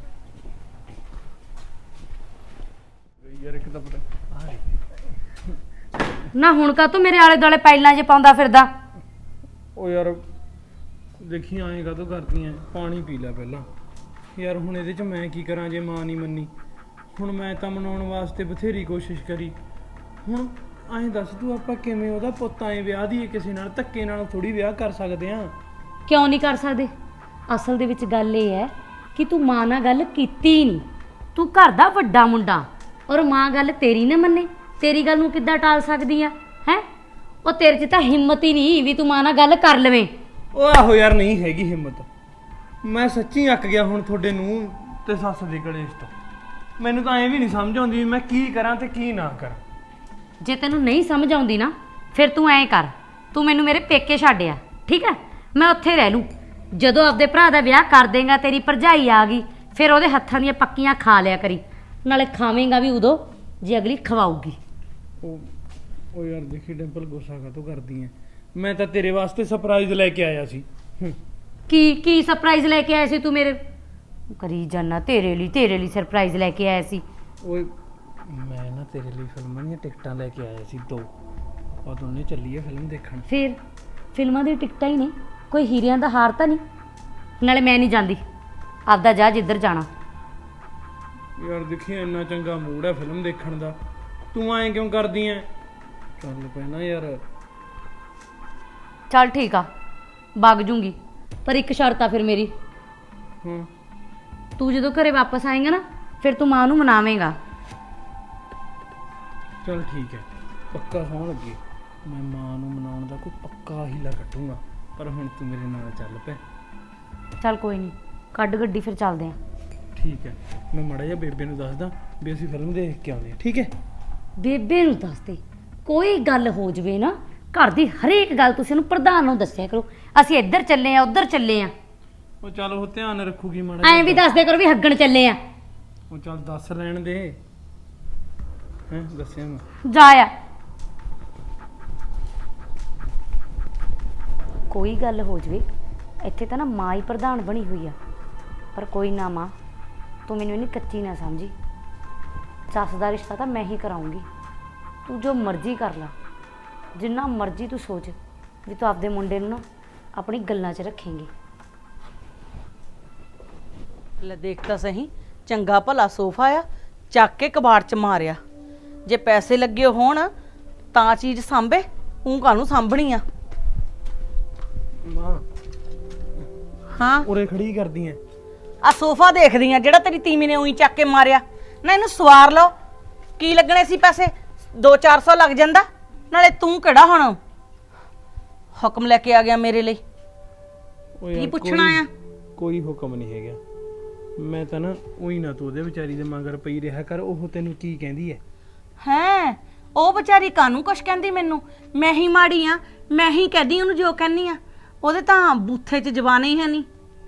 A: ਨਾ। ਹੁਣ ਕਾ ਤੂੰ ਮੇਰੇ ਆਲੇ ਦੁਆਲੇ ਪੈਲਾਂ ਜੇ ਪਾਉਂਦਾ ਫਿਰਦਾ?
I: ਉਹ ਯਾਰ ਦੇਖੀ ਐਂ ਕਾਹਤੋਂ ਕਰਦੀ ਐ? ਪਾਣੀ ਪੀ ਲੈ ਪਹਿਲਾਂ ਯਾਰ। ਹੁਣ ਇਹਦੇ 'ਚ ਮੈਂ ਕੀ ਕਰਾਂ ਜੇ ਮਾਂ ਨਹੀਂ ਮੰਨੀ? ਹੁਣ ਮੈਂ ਤਾਂ ਮਨਾਉਣ ਵਾਸਤੇ ਬਥੇਰੀ ਕੋਸ਼ਿਸ਼ ਕਰੀ। ਹੁਣ ਐਂ ਦੱਸ ਤੂੰ, ਆਪਾਂ ਕਿਵੇਂ ਉਹਦਾ ਪੁੱਤ ਐਂ ਵਿਆਹ ਦੀਏ ਕਿਸੇ ਨਾਲ? ਧੱਕੇ ਨਾਲ ਥੋੜੀ ਵਿਆਹ ਕਰ ਸਕਦੇ ਆਂ।
A: ਕਿਉਂ ਨਹੀਂ ਕਰ ਸਕਦੇ? ਅਸਲ ਦੇ ਵਿੱਚ ਗੱਲ ਇਹ ਹੈ ਕਿ ਤੂੰ ਮਾਂ ਨਾਲ ਗੱਲ ਕੀਤੀ ਨਹੀਂ। ਤੂੰ ਘਰ ਦਾ ਵੱਡਾ ਮੁੰਡਾ, ਔਰ ਮਾਂ ਗੱਲ ਤੇਰੀ ਨਾ ਮੰਨੇ। ਤੇਰੀ ਗੱਲ ਨੂੰ ਕਿੱਦਾਂ ਟਾਲ ਸਕਦੀ ਆ ਹੈ? ਉਹ ਤੇਰੇ 'ਚ ਤਾਂ ਹਿੰਮਤ ਹੀ ਨਹੀਂ ਵੀ ਤੂੰ ਮਾਂ ਨਾਲ ਗੱਲ ਕਰ ਲਵੇਂ।
I: ਉਹ ਆਹੋ ਯਾਰ, ਨਹੀਂ ਹੈਗੀ ਹਿੰਮਤ। ਮੈਂ ਸੱਚੀ ਅੱਕ ਗਿਆ ਹੁਣ ਤੁਹਾਡੇ ਨੂੰ ਤੇ ਸੱਸ ਦੇ ਕਲੇਸ਼ ਤੋਂ। ਮੈਨੂੰ ਤਾਂ ਐਂ ਵੀ ਨਹੀਂ ਸਮਝ ਆਉਂਦੀ ਵੀ ਮੈਂ ਕੀ ਕਰਾਂ ਤੇ ਕੀ ਨਾ ਕਰਾਂ।
A: ਜੇ ਤੈਨੂੰ ਨਹੀਂ ਸਮਝ ਆਉਂਦੀ ਨਾ, ਫਿਰ ਤੂੰ ਐਂ ਕਰ, ਤੂੰ ਮੈਨੂੰ ਮੇਰੇ ਪੇਕੇ ਛੱਡਿਆ, ਠੀਕ ਹੈ? ਮੈਂ ਉੱਥੇ ਰਹਿ ਲੂੰ। ਜਦੋਂ ਆਪਦੇ ਭਰਾ ਦਾ ਵਿਆਹ ਕਰ ਦੇਂਗਾ, ਤੇਰੀ ਭਰਜਾਈ ਆ ਗਈ, ਫਿਰ ਉਹਦੇ ਹੱਥਾਂ ਦੀਆਂ ਪੱਕੀਆਂ ਖਾ ਲਿਆ ਕਰੀ। ਨਾਲੇ ਖਾਵੇਂਗਾ ਵੀ ਉਦੋਂ ਜੇ ਅਗਲੀ ਖਵਾਊਗੀ।
I: ਉਹ ਉਹ ਯਾਰ ਦੇਖੀ ਡਿੰਪਲ, ਗੁੱਸਾ ਕਾਹਤੋਂ ਕਰਦੀ ਐ? ਮੈਂ ਤਾਂ ਤੇਰੇ ਵਾਸਤੇ ਸਰਪ੍ਰਾਈਜ਼ ਲੈ ਕੇ ਆਇਆ ਸੀ। ਹੂੰ।
A: ਕੀ ਕੀ ਸਰਪ੍ਰਾਈਜ਼ ਲੈ ਕੇ ਆਇਆ ਸੀ ਤੂੰ ਮੇਰੇ? ਕਰੀ ਜਾਨਾ ਤੇਰੇ ਲਈ ਤੇਰੇ ਲਈ ਸਰਪ੍ਰਾਈਜ਼ ਲੈ ਕੇ ਆਇਆ ਸੀ।
I: ਓਏ ਮੈਂ ਨਾ ਤੇਰੇ ਲਈ ਫਿਲਮਾਂ ਦੀਆਂ ਟਿਕਟਾਂ ਲੈ ਕੇ ਆਇਆ ਸੀ ਦੋ। ਆਪਾਂ ਦੋਨੇ ਚੱਲੀਏ ਫਿਲਮ ਦੇਖਣ।
A: ਫਿਰ ਫਿਲਮਾਂ ਦੀ ਟਿਕਟਾਂ ਹੀ ਨੇ, ਕੋਈ ਹੀਰਿਆਂ ਦਾ ਹਾਰ ਤਾਂ ਨਹੀਂ? ਨਾਲੇ ਮੈਂ ਨਹੀਂ ਜਾਂਦੀ, ਆਪਦਾ ਜਾ ਜਿੱਧਰ ਜਾਣਾ।
I: ਯਾਰ ਦੇਖੀ ਇੰਨਾ ਚੰਗਾ ਮੂਡ ਹੈ ਫਿਲਮ ਦੇਖਣ ਦਾ, ਤੂੰ ਐਂ ਕਿਉਂ ਕਰਦੀ ਐ? ਚੱਲ ਪੈਣਾ ਯਾਰ।
A: ਚੱਲ ਠੀਕ ਆ, ਵਗ ਜੂੰਗੀ, ਪਰ ਇੱਕ ਸ਼ਰਤ ਆ ਫਿਰ ਮੇਰੀ।
I: ਹਾਂ।
A: ਤੂੰ ਜਦੋਂ ਘਰੇ ਵਾਪਸ ਆਏਂਗਾ ਨਾ, ਫਿਰ ਤੂੰ ਮਾਂ ਨੂੰ ਮਨਾਵੇਂਗਾ।
I: ਚੱਲ ਠੀਕ ਹੈ, ਪੱਕਾ ਸੌਣ ਲੱਗੀ। ਮੈਂ ਮਾਂ ਨੂੰ ਮਨਾਉਣ ਦਾ ਕੋਈ ਪੱਕਾ ਹੀਲਾ ਕੱਢੂੰਗਾ, ਪਰ ਹੁਣ ਤੂੰ ਮੇਰੇ ਨਾਲ ਚੱਲ ਪੈ।
A: ਚੱਲ ਕੋਈ ਨਹੀਂ, ਕੱਢ ਗੱਡੀ, ਫਿਰ ਚੱਲਦੇ ਆਂ।
I: ਠੀਕ ਹੈ, ਮੈਂ ਮਾੜਾ ਜਿਹਾ ਬੇਬੇ ਨੂੰ ਦੱਸਦਾ ਵੀ ਅਸੀਂ ਫਿਲਮ ਦੇਖ ਕੇ ਆਉਂਦੇ ਹਾਂ। ਠੀਕ ਹੈ?
A: ਬੇਬੇ ਨੂੰ ਦੱਸ ਦੇ, ਕੋਈ ਗੱਲ ਹੋ ਜਵੇ ਨਾ ਘਰ ਦੀ ਹਰੇਕ ਗੱਲ ਤੁਸੀਂ ਉਹਨੂੰ ਪ੍ਰਧਾਨ ਨੂੰ ਦੱਸਿਆ ਕਰੋ। ਅਸੀਂ ਇੱਧਰ ਚੱਲੇ ਆ, ਉੱਧਰ ਚੱਲੇ ਆ।
I: ਉਹ ਚੱਲ ਉਹ ਧਿਆਨ ਰੱਖੂਗੀ ਮਾੜਾ
A: ਐਂ ਵੀ ਦੱਸ ਦਿਆ ਕਰੋ ਵੀ ਹੱਗਣ ਚੱਲੇ ਆ।
I: ਉਹ ਚੱਲ ਦੱਸ ਲੈਣ ਦੇ। ਹੈਂ ਦੱਸਿਆ ਮੈਂ।
A: ਜਾ ਆ। ਕੋਈ ਗੱਲ ਹੋ ਜਵੇ, ਇੱਥੇ ਤਾਂ ਨਾ ਮਾਂ ਹੀ ਪ੍ਰਧਾਨ ਬਣੀ ਹੋਈ ਆ। ਪਰ ਕੋਈ ਨਾ ਮਾਂ, ਤੂੰ ਮੈਨੂੰ ਇੰਨੀ ਕੱਚੀ ਨਾ ਸਮਝੀ। ਸੱਸ ਦਾ ਰਿਸ਼ਤਾ ਤਾਂ ਮੈਂ ਹੀ ਕਰਾਉਂਗੀ। ਤੂੰ ਜੋ ਮਰਜ਼ੀ ਕਰ ਲਾ, ਜਿੰਨਾ ਮਰਜ਼ੀ ਤੂੰ ਸੋਚ ਵੀ ਤੂੰ ਆਪਦੇ ਮੁੰਡੇ ਨੂੰ ਨਾ ਆਪਣੀ ਗੱਲਾਂ 'ਚ ਰੱਖੇਂਗੀ।
G: ਲੈ ਦੇਖ ਤਾਂ ਸਹੀ, ਚੰਗਾ ਭਲਾ ਸੋਫਾ ਆ, ਚੱਕ ਕੇ ਕਬਾੜ 'ਚ ਮਾਰਿਆ। ਜੇ ਪੈਸੇ ਲੱਗੇ ਹੋਣ ਤਾਂ ਚੀਜ਼ ਸਾਂਭੇ, ਤੂੰ ਕਾਹਨੂੰ ਸਾਂਭਣੀ ਆ?
I: ਮਾਂ
G: ਹਾਂ,
I: ਉਰੇ ਖੜੀ ਕਰਦੀ ਐ?
G: ਆ ਸੋਫਾ ਦੇਖਦੀ ਆ ਜਿਹੜਾ ਤੇਰੀ ਤੀਵੀਂ ਨੇ ਉਹੀ ਚੱਕ ਕੇ ਮਾਰਿਆ ਨਾ। ਇਹਨੂੰ ਸਵਾਰ ਲਓ, ਕੀ ਲੱਗਣੇ ਸੀ ਪੈਸੇ? ਦੋ ਚਾਰ ਸੌ ਲੱਗ ਜਾਂਦਾ। ਨਾਲੇ ਤੂੰ ਕਿਹੜਾ ਹੁਣ ਹੁਕਮ ਲੈ ਕੇ ਆ ਗਿਆ ਮੇਰੇ ਲਈ?
I: ਉਹ
G: ਕੀ
I: ਯਾਰ
G: ਪੁੱਛਣਾ
I: ਕੋਈ-
G: ਆ?
I: ਕੋਈ ਹੁਕਮ ਨਹੀਂ ਹੈਗਾ। ਮੈਂ ਤਾਂ ਨਾ ਉਹੀ ਨਾ ਤੂੰ ਉਹਦੇ ਵਿਚਾਰੀ ਦੇ ਮਗਰ ਪਈ ਰਿਹਾ ਕਰ। ਉਹ ਤੈਨੂੰ ਕੀ ਕਹਿੰਦੀ ਐ?
G: ਹੈਂ, ਉਹ ਵਿਚਾਰੀ ਕਾਹਨੂੰ ਕੁਛ ਕਹਿੰਦੀ ਮੈਨੂੰ? ਮੈਂ ਹੀ ਮਾੜੀ ਆ, ਮੈਂ ਹੀ ਕਹਦੀ ਉਹਨੂੰ ਜੋ ਕਹਿੰਦੀ ਆ। ਉਹਦੇ ਤਾਂ ਬੂਥੇ 'ਚ ਜ਼ਬਾਨ ਹੀ ਹੈ ਨਹੀਂ।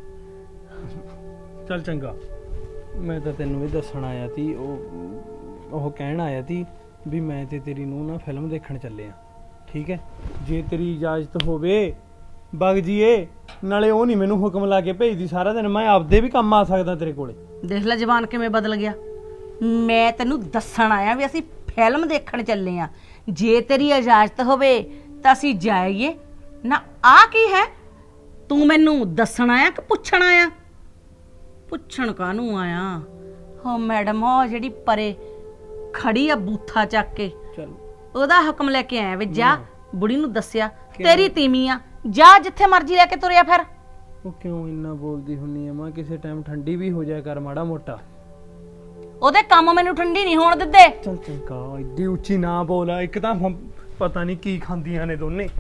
I: ਚੱਲ ਚੰਗਾ, ਮੈਂ ਤਾਂ ਤੈਨੂੰ ਵੀ ਦੱਸਣ ਆਇਆ ਤੀ। ਉਹ ਉਹ ਕਹਿਣ ਆਇਆ ਤੀ ਵੀ ਮੈਂ ਤੇ ਤੇਰੀ ਨੂੰਹ ਨਾ ਫਿਲਮ ਦੇਖਣ ਚੱਲੇ ਆ। ਠੀਕ ਹੈ? ਜੇ ਤੇਰੀ ਇਜਾਜ਼ਤ ਹੋਵੇ ਬਗ ਜੀਏ। ਨਾਲੇ ਉਹ ਨਹੀਂ ਮੈਨੂੰ ਹੁਕਮ ਲਾ ਕੇ ਭੇਜਦੀ ਸਾਰਾ ਦਿਨ, ਮੈਂ ਆਪਦੇ ਵੀ ਕੰਮ ਆ ਸਕਦਾ ਤੇਰੇ ਕੋਲੇ।
G: ਦੇਖ ਲੈ ਜ਼ਬਾਨ ਕਿਵੇਂ ਬਦਲ ਗਿਆ। ਮੈਂ ਤੈਨੂੰ ਦੱਸਣ ਆਇਆ ਵੀ ਅਸੀਂ ਫਿਲਮ ਦੇਖਣ ਚੱਲੇ ਆ। ਜੇ ਤੇਰੀ ਇਜਾਜ਼ਤ ਹੋਵੇ ਤਾਂ ਅਸੀਂ ਜਾਈਏ ਨਾ। ਆ ਕੀ ਹੈ? ਤੂੰ ਮੈਨੂੰ ਦੱਸਣ ਆਇਆ ਕਿ ਪੁੱਛਣ ਆਇਆ? ਪੁੱਛਣ ਕਾਹਨੂੰ ਆਇਆ ਹੋ ਮੈਡਮ ਉਹ ਜਿਹੜੀ ਪਰੇ ਖੜੀ ਆ ਬੂਥਾ ਚੱਕ ਕੇ
I: ਚਲ
G: ਉਹਦਾ ਹੁਕਮ ਲੈ ਕੇ ਆਇਆ ਵੀ ਜਾ ਬੁੜੀ ਨੂੰ ਦੱਸਿਆ ਤੇਰੀ ਤੀਵੀਂ ਆ ਜਾ ਜਿੱਥੇ ਮਰਜ਼ੀ ਲੈ ਕੇ ਤੁਰਿਆ ਫਿਰ
I: ਉਹ ਕਿਉਂ ਇੰਨਾ ਬੋਲਦੀ ਹੁੰਨੀ ਆ ਮਾਂ? ਕਿਸੇ ਟਾਈਮ ਠੰਡੀ ਵੀ ਹੋ ਜਾਇਆ ਕਰ ਮਾੜਾ ਮੋਟਾ।
G: ਉਹਦੇ ਕੰਮ ਮੈਨੂੰ ਠੰਡੀ ਨਹੀਂ ਹੋਣ ਦਿੰਦੇ।
I: ਚਲ ਚੰਗਾ ਇੱਡੀ ਉੱਚੀ ਨਾ ਬੋਲ। ਇੱਕ ਤਾਂ ਹੁਣ ਪਤਾ ਨਹੀਂ ਕੀ ਖਾਂਦੀਆਂ ਨੇ ਦੋਨੇ।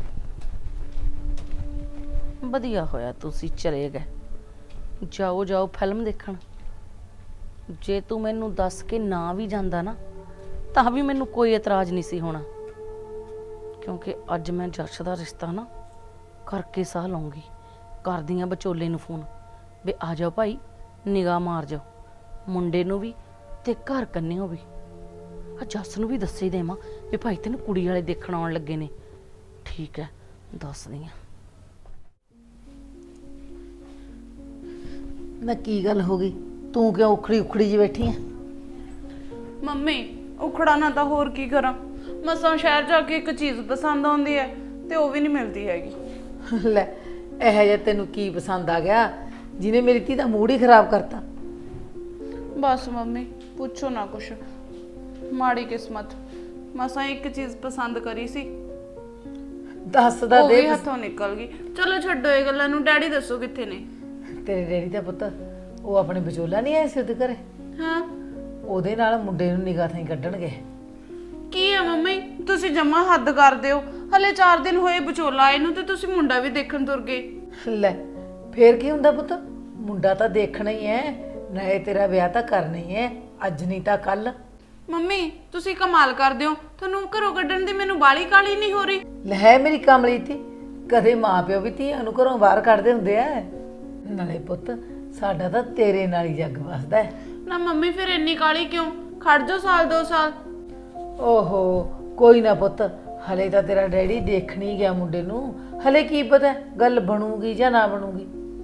G: ਵਧੀਆ ਹੋਇਆ ਤੁਸੀਂ ਚਲੇ ਗਏ। ਜਾਓ ਜਾਓ ਫਿਲਮ ਦੇਖਣ। ਜੇ ਤੂੰ ਮੈਨੂੰ ਦੱਸ ਕੇ ਨਾ ਵੀ ਜਾਂਦਾ ਨਾ ਤਾਂ ਵੀ ਮੈਨੂੰ ਕੋਈ ਇਤਰਾਜ਼ ਨਹੀਂ ਸੀ ਹੋਣਾ, ਕਿਉਂਕਿ ਅੱਜ ਮੈਂ ਜੱਸ ਦਾ ਰਿਸ਼ਤਾ ਨਾ ਕਰਕੇ ਸਾਹ ਲਊਂਗੀ। ਕਰਦੀ ਆ ਵਿਚੋਲੇ ਨੂੰ ਫੋਨ ਵੀ ਆ ਜਾਓ ਭਾਈ, ਨਿਗਾਹ ਮਾਰ ਜਾਓ, ਮੁੰਡੇ ਨੂੰ ਵੀ ਤੇ ਘਰ ਕੰਨਿਓ ਵੀ। ਆ ਜੱਸ ਨੂੰ ਵੀ ਦੱਸੇ ਦੇਵਾਂ ਵੀ ਭਾਈ ਤੈਨੂੰ ਕੁੜੀ ਵਾਲੇ ਦੇਖਣ ਆਉਣ ਲੱਗੇ ਨੇ। ਠੀਕ ਹੈ, ਦੱਸਦੀ ਆ। ਨਾ ਕੀ ਗੱਲ ਹੋ ਗਈ? ਤੂੰ ਕਿਉਂ ਉਖੜੀ ਉਖੜੀ ਜੀ ਬੈਠੀ ਆ?
B: ਮੰਮੀ ਉਖੜਾ ਨਾ ਤਾਂ ਹੋਰ ਕੀ ਕਰਾਂ, ਮਸਾਂ ਸ਼ਹਿਰ ਜਾ ਕੇ ਇੱਕ ਚੀਜ਼ ਪਸੰਦ ਆਉਂਦੀ ਹੈ ਤੇ ਉਹ ਵੀ ਨਹੀਂ ਮਿਲਦੀ ਹੈਗੀ।
D: ਲੈ ਇਹ ਜਿਹਾ ਤੈਨੂੰ ਕੀ ਪਸੰਦ ਆ ਗਿਆ ਜਿਹਨੇ ਮੇਰੀ ਧੀ ਦਾ ਮੂਡ ਹੀ ਖਰਾਬ ਕਰਤਾ?
B: ਬਸ ਮੰਮੀ ਪੁੱਛੋ ਨਾ ਕੁਛ, ਮਾੜੀ ਕਿਸਮਤ। ਮਸਾਂ ਇੱਕ ਚੀਜ਼ ਪਸੰਦ ਕਰੀ ਸੀ,
D: ਦੱਸਦਾ
B: ਉਹ
D: ਦੇ।
B: ਵੀ ਹੱਥੋਂ ਨਿਕਲ ਗਈ। ਚਲੋ ਛੱਡੋ ਇਹ ਗੱਲਾਂ ਨੂੰ, ਡੈਡੀ ਦੱਸੋ ਕਿੱਥੇ ਨੇ?
D: ਤੇਰੇ ਡੈਡੀ ਦਾ ਪੁੱਤ ਉਹ ਆਪਣੇ ਵਿਚੋਲਾ ਨਹੀਂ ਆਏ ਸੀ ਉਹਦੇ ਘਰੇ?
B: ਹਾਂ
D: ਉਹਦੇ ਨਾਲ ਮੁੰਡੇ ਨੂੰ ਨਿਗਾਹ ਥਾਂ ਕੱਢਣਗੇ।
B: ਕੀ ਆ ਮੰਮੀ, ਤੁਸੀਂ ਜਮਾ ਹੱਦ ਕਰਦੇ ਹੋ। ਹਲੇ ਚਾਰ ਦਿਨ ਹੋਏ ਵਿਚੋਲਾ ਆਏ ਨੂੰ ਤੇ ਤੁਸੀਂ ਮੁੰਡਾ ਵੀ ਦੇਖਣ ਤੁਰ ਗਏ।
D: ਲੈ ਫੇਰ ਕੀ ਹੁੰਦਾ ਪੁੱਤ, ਮੁੰਡਾ ਤਾਂ ਦੇਖਣਾ ਹੀ ਹੈ, ਨਾਲੇ ਤੇਰਾ ਵਿਆਹ ਤਾਂ ਕਰਨਾ ਹੀ ਹੈ, ਅੱਜ ਨਹੀਂ ਤਾਂ ਕੱਲ।
B: ਮੰਮੀ ਤੁਸੀਂ ਕਮਾਲ ਕਰਦੇ ਹੋ, ਤੁਹਾਨੂੰ ਘਰੋਂ ਕੱਢਣ ਦੀ ਮੈਨੂੰ ਬਾਲੀ ਕਾਲੀ ਨਹੀਂ ਹੋ ਰਹੀ।
D: ਲੈ ਮੇਰੀ ਕਮਲੀ ਤੀ, ਕਦੇ ਮਾਂ ਪਿਓ ਵੀ ਧੀਆਂ ਨੂੰ ਘਰੋਂ ਬਾਹਰ ਕੱਢਦੇ ਹੁੰਦੇ ਆ। ਨਾਲੇ ਪੁੱਤ ਸਾਡਾ ਤਾਂ ਤੇਰੇ ਨਾਲ ਹੀ ਜੱਗ ਵਸਦਾ ਹੈ।
B: ਨਾ ਮੰਮੀ ਫਿਰ ਇੰਨੀ ਕਾਲੀ ਕਿਉਂ? ਖੜ ਜਾਓ ਸਾਲ ਦੋ ਸਾਲ।
D: ਓਹੋ ਕੋਈ ਨਾ ਪੁੱਤ, ਹਲੇ ਤਾਂ ਤੇਰਾ ਡੈਡੀ ਦੇਖਣ ਹੀ ਗਿਆ ਮੁੰਡੇ ਨੂੰ, ਹਲੇ ਕੀ ਪਤਾ ਗੱਲ ਬਣੂਗੀ ਜਾਂ ਨਾ ਬਣੂਗੀ।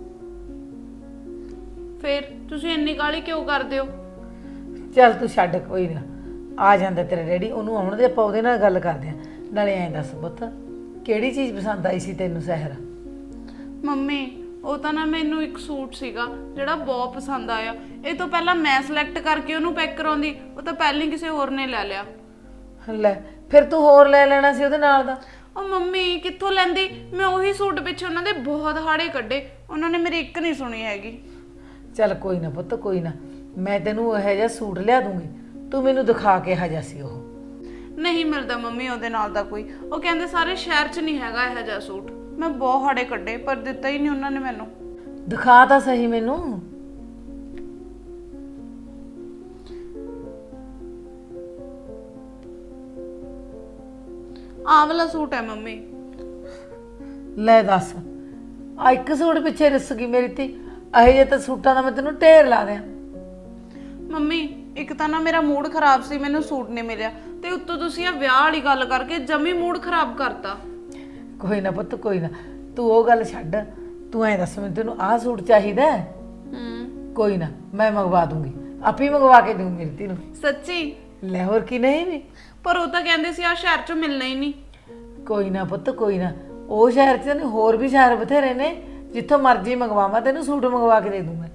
B: ਫਿਰ ਤੁਸੀਂ ਇੰਨੀ ਕਾਲੀ ਕਿਉਂ ਕਰਦੇ ਹੋ?
D: ਚੱਲ ਤੂੰ ਛੱਡ, ਕੋਈ ਨਾ ਆ ਜਾਂਦਾ ਤੇਰਾ ਡੈਡੀ, ਉਹਨੂੰ ਆਉਣ ਦੇ, ਆਪਾਂ ਉਹਦੇ ਨਾਲ ਗੱਲ ਕਰਦੇ ਆਂ। ਨਾਲੇ ਐਂ ਦੱਸ ਪੁੱਤ ਕਿਹੜੀ ਚੀਜ਼ ਪਸੰਦ ਆਈ ਸੀ ਤੈਨੂੰ ਸਹਿਰ?
B: ਮੰਮੀ ਉਹ ਤਾਂ ਨਾ ਮੈਨੂੰ ਇੱਕ ਸੂਟ ਸੀਗਾ ਜਿਹੜਾ ਬਹੁਤ ਪਸੰਦ ਆਇਆ। ਇਹ ਤੋਂ ਪਹਿਲਾਂ ਮੈਂ ਸਿਲੈਕਟ ਕਰਕੇ ਉਹਨੂੰ ਪੈਕ ਕਰਾਉਂਦੀ, ਉਹ ਤਾਂ ਪਹਿਲਾਂ ਹੀ ਕਿਸੇ ਹੋਰ ਨੇ ਲੈ ਲਿਆ।
D: ਲੈ ਫਿਰ ਤੂੰ ਹੋਰ ਲੈ ਲੈਣਾ ਸੀ ਉਹਦੇ ਨਾਲ ਦਾ।
B: ਉਹ ਮੰਮੀ ਕਿੱਥੋਂ ਲੈਂਦੀ, ਮੈਂ ਉਹੀ ਸੂਟ ਪਿੱਛੇ ਉਹਨਾਂ ਦੇ ਬਹੁਤ ਹਾੜੇ ਕੱਢੇ, ਉਹਨਾਂ ਨੇ ਮੇਰੀ ਇੱਕ ਨਹੀਂ ਸੁਣੀ ਹੈਗੀ।
D: ਚੱਲ ਕੋਈ ਨਾ ਪੁੱਤ, ਕੋਈ ਨਾ, ਮੈਂ ਤੈਨੂੰ ਇਹੋ ਜਿਹਾ ਸੂਟ ਲਿਆ ਦੂੰਗੀ, ਤੂੰ ਮੈਨੂੰ ਦਿਖਾ ਕੇ ਹਜਾ ਸੀ। ਉਹ
B: ਨਹੀਂ ਮਿਲਦਾ ਮੰਮੀ ਉਹਦੇ ਨਾਲ ਦਾ ਕੋਈ, ਉਹ ਕਹਿੰਦੇ ਸਾਰੇ ਸ਼ਹਿਰ 'ਚ ਨਹੀਂ ਹੈਗਾ ਇਹੋ ਜਿਹਾ ਸੂਟ। ਮੈਂ ਬਹੁਤ ਹਾੜੇ ਕੱਢੇ ਪਰ ਦਿੱਤਾ ਹੀ ਨਹੀਂ ਉਹਨਾਂ ਨੇ ਮੈਨੂੰ।
D: ਦਿਖਾ ਤਾਂ ਸਹੀ ਮੈਨੂੰ।
B: ਆਹ ਵਾਲਾ ਸੂਟ ਹੈ ਮੰਮੀ।
D: ਲੈ ਦੱਸ, ਆ ਇੱਕ ਸੂਟ ਪਿੱਛੇ ਰਿਸ ਗਈ ਮੇਰੀ ਧੀ। ਇਹੋ ਜਿਹੇ ਤਾਂ ਸੂਟਾਂ ਦਾ ਮੈਂ ਤੈਨੂੰ ਢੇਰ ਲਾ ਦਿਆਂ।
B: ਮੰਮੀ ਇੱਕ ਤਾਂ ਨਾ ਮੇਰਾ ਮੂਡ ਖਰਾਬ ਸੀ, ਮੈਨੂੰ ਸੂਟ ਨਹੀਂ ਮਿਲਿਆ, ਤੇ ਉੱਤੋਂ ਤੁਸੀਂ ਆ ਵਿਆਹ ਵਾਲੀ ਗੱਲ ਕਰਕੇ ਜਮੀ ਮੂਡ ਖਰਾਬ ਕਰਤਾ।
D: ਕੋਈ ਨਾ ਪੁੱਤ, ਕੋਈ ਨਾ, ਤੂੰ ਉਹ ਗੱਲ ਛੱਡ, ਤੂੰ ਐਂ ਦੱਸ ਮੈਨੂੰ ਤੈਨੂੰ ਆਹ ਸੂਟ ਚਾਹੀਦਾ?
B: ਹੂੰ
D: ਕੋਈ ਨਾ ਮੈਂ ਮੰਗਵਾ ਦੂੰਗੀ, ਆਪੇ ਮੰਗਵਾ ਕੇ ਦੂੰ ਮੇਰੀ ਧੀ ਨੂੰ।
B: ਸੱਚੀ?
D: ਲੈ ਹੋਰ ਕੀ, ਨਹੀਂ ਵੀ
B: ਪਰ ਉਹ ਤਾਂ ਕਹਿੰਦੇ ਸੀ ਆ ਸ਼ਹਿਰ 'ਚੋਂ ਮਿਲਣਾ ਹੀ ਨਹੀਂ।
D: ਕੋਈ ਨਾ ਪੁੱਤ, ਕੋਈ ਨਾ, ਉਹ ਸ਼ਹਿਰ 'ਚ ਨੇ, ਹੋਰ ਵੀ ਸ਼ਹਿਰ ਬਥੇਰੇ ਨੇ, ਜਿੱਥੋਂ ਮਰਜ਼ੀ ਮੰਗਵਾਵਾਂ ਤੈਨੂੰ ਸੂਟ ਮੰਗਵਾ ਕੇ ਦੇ ਦੂੰਗਾ।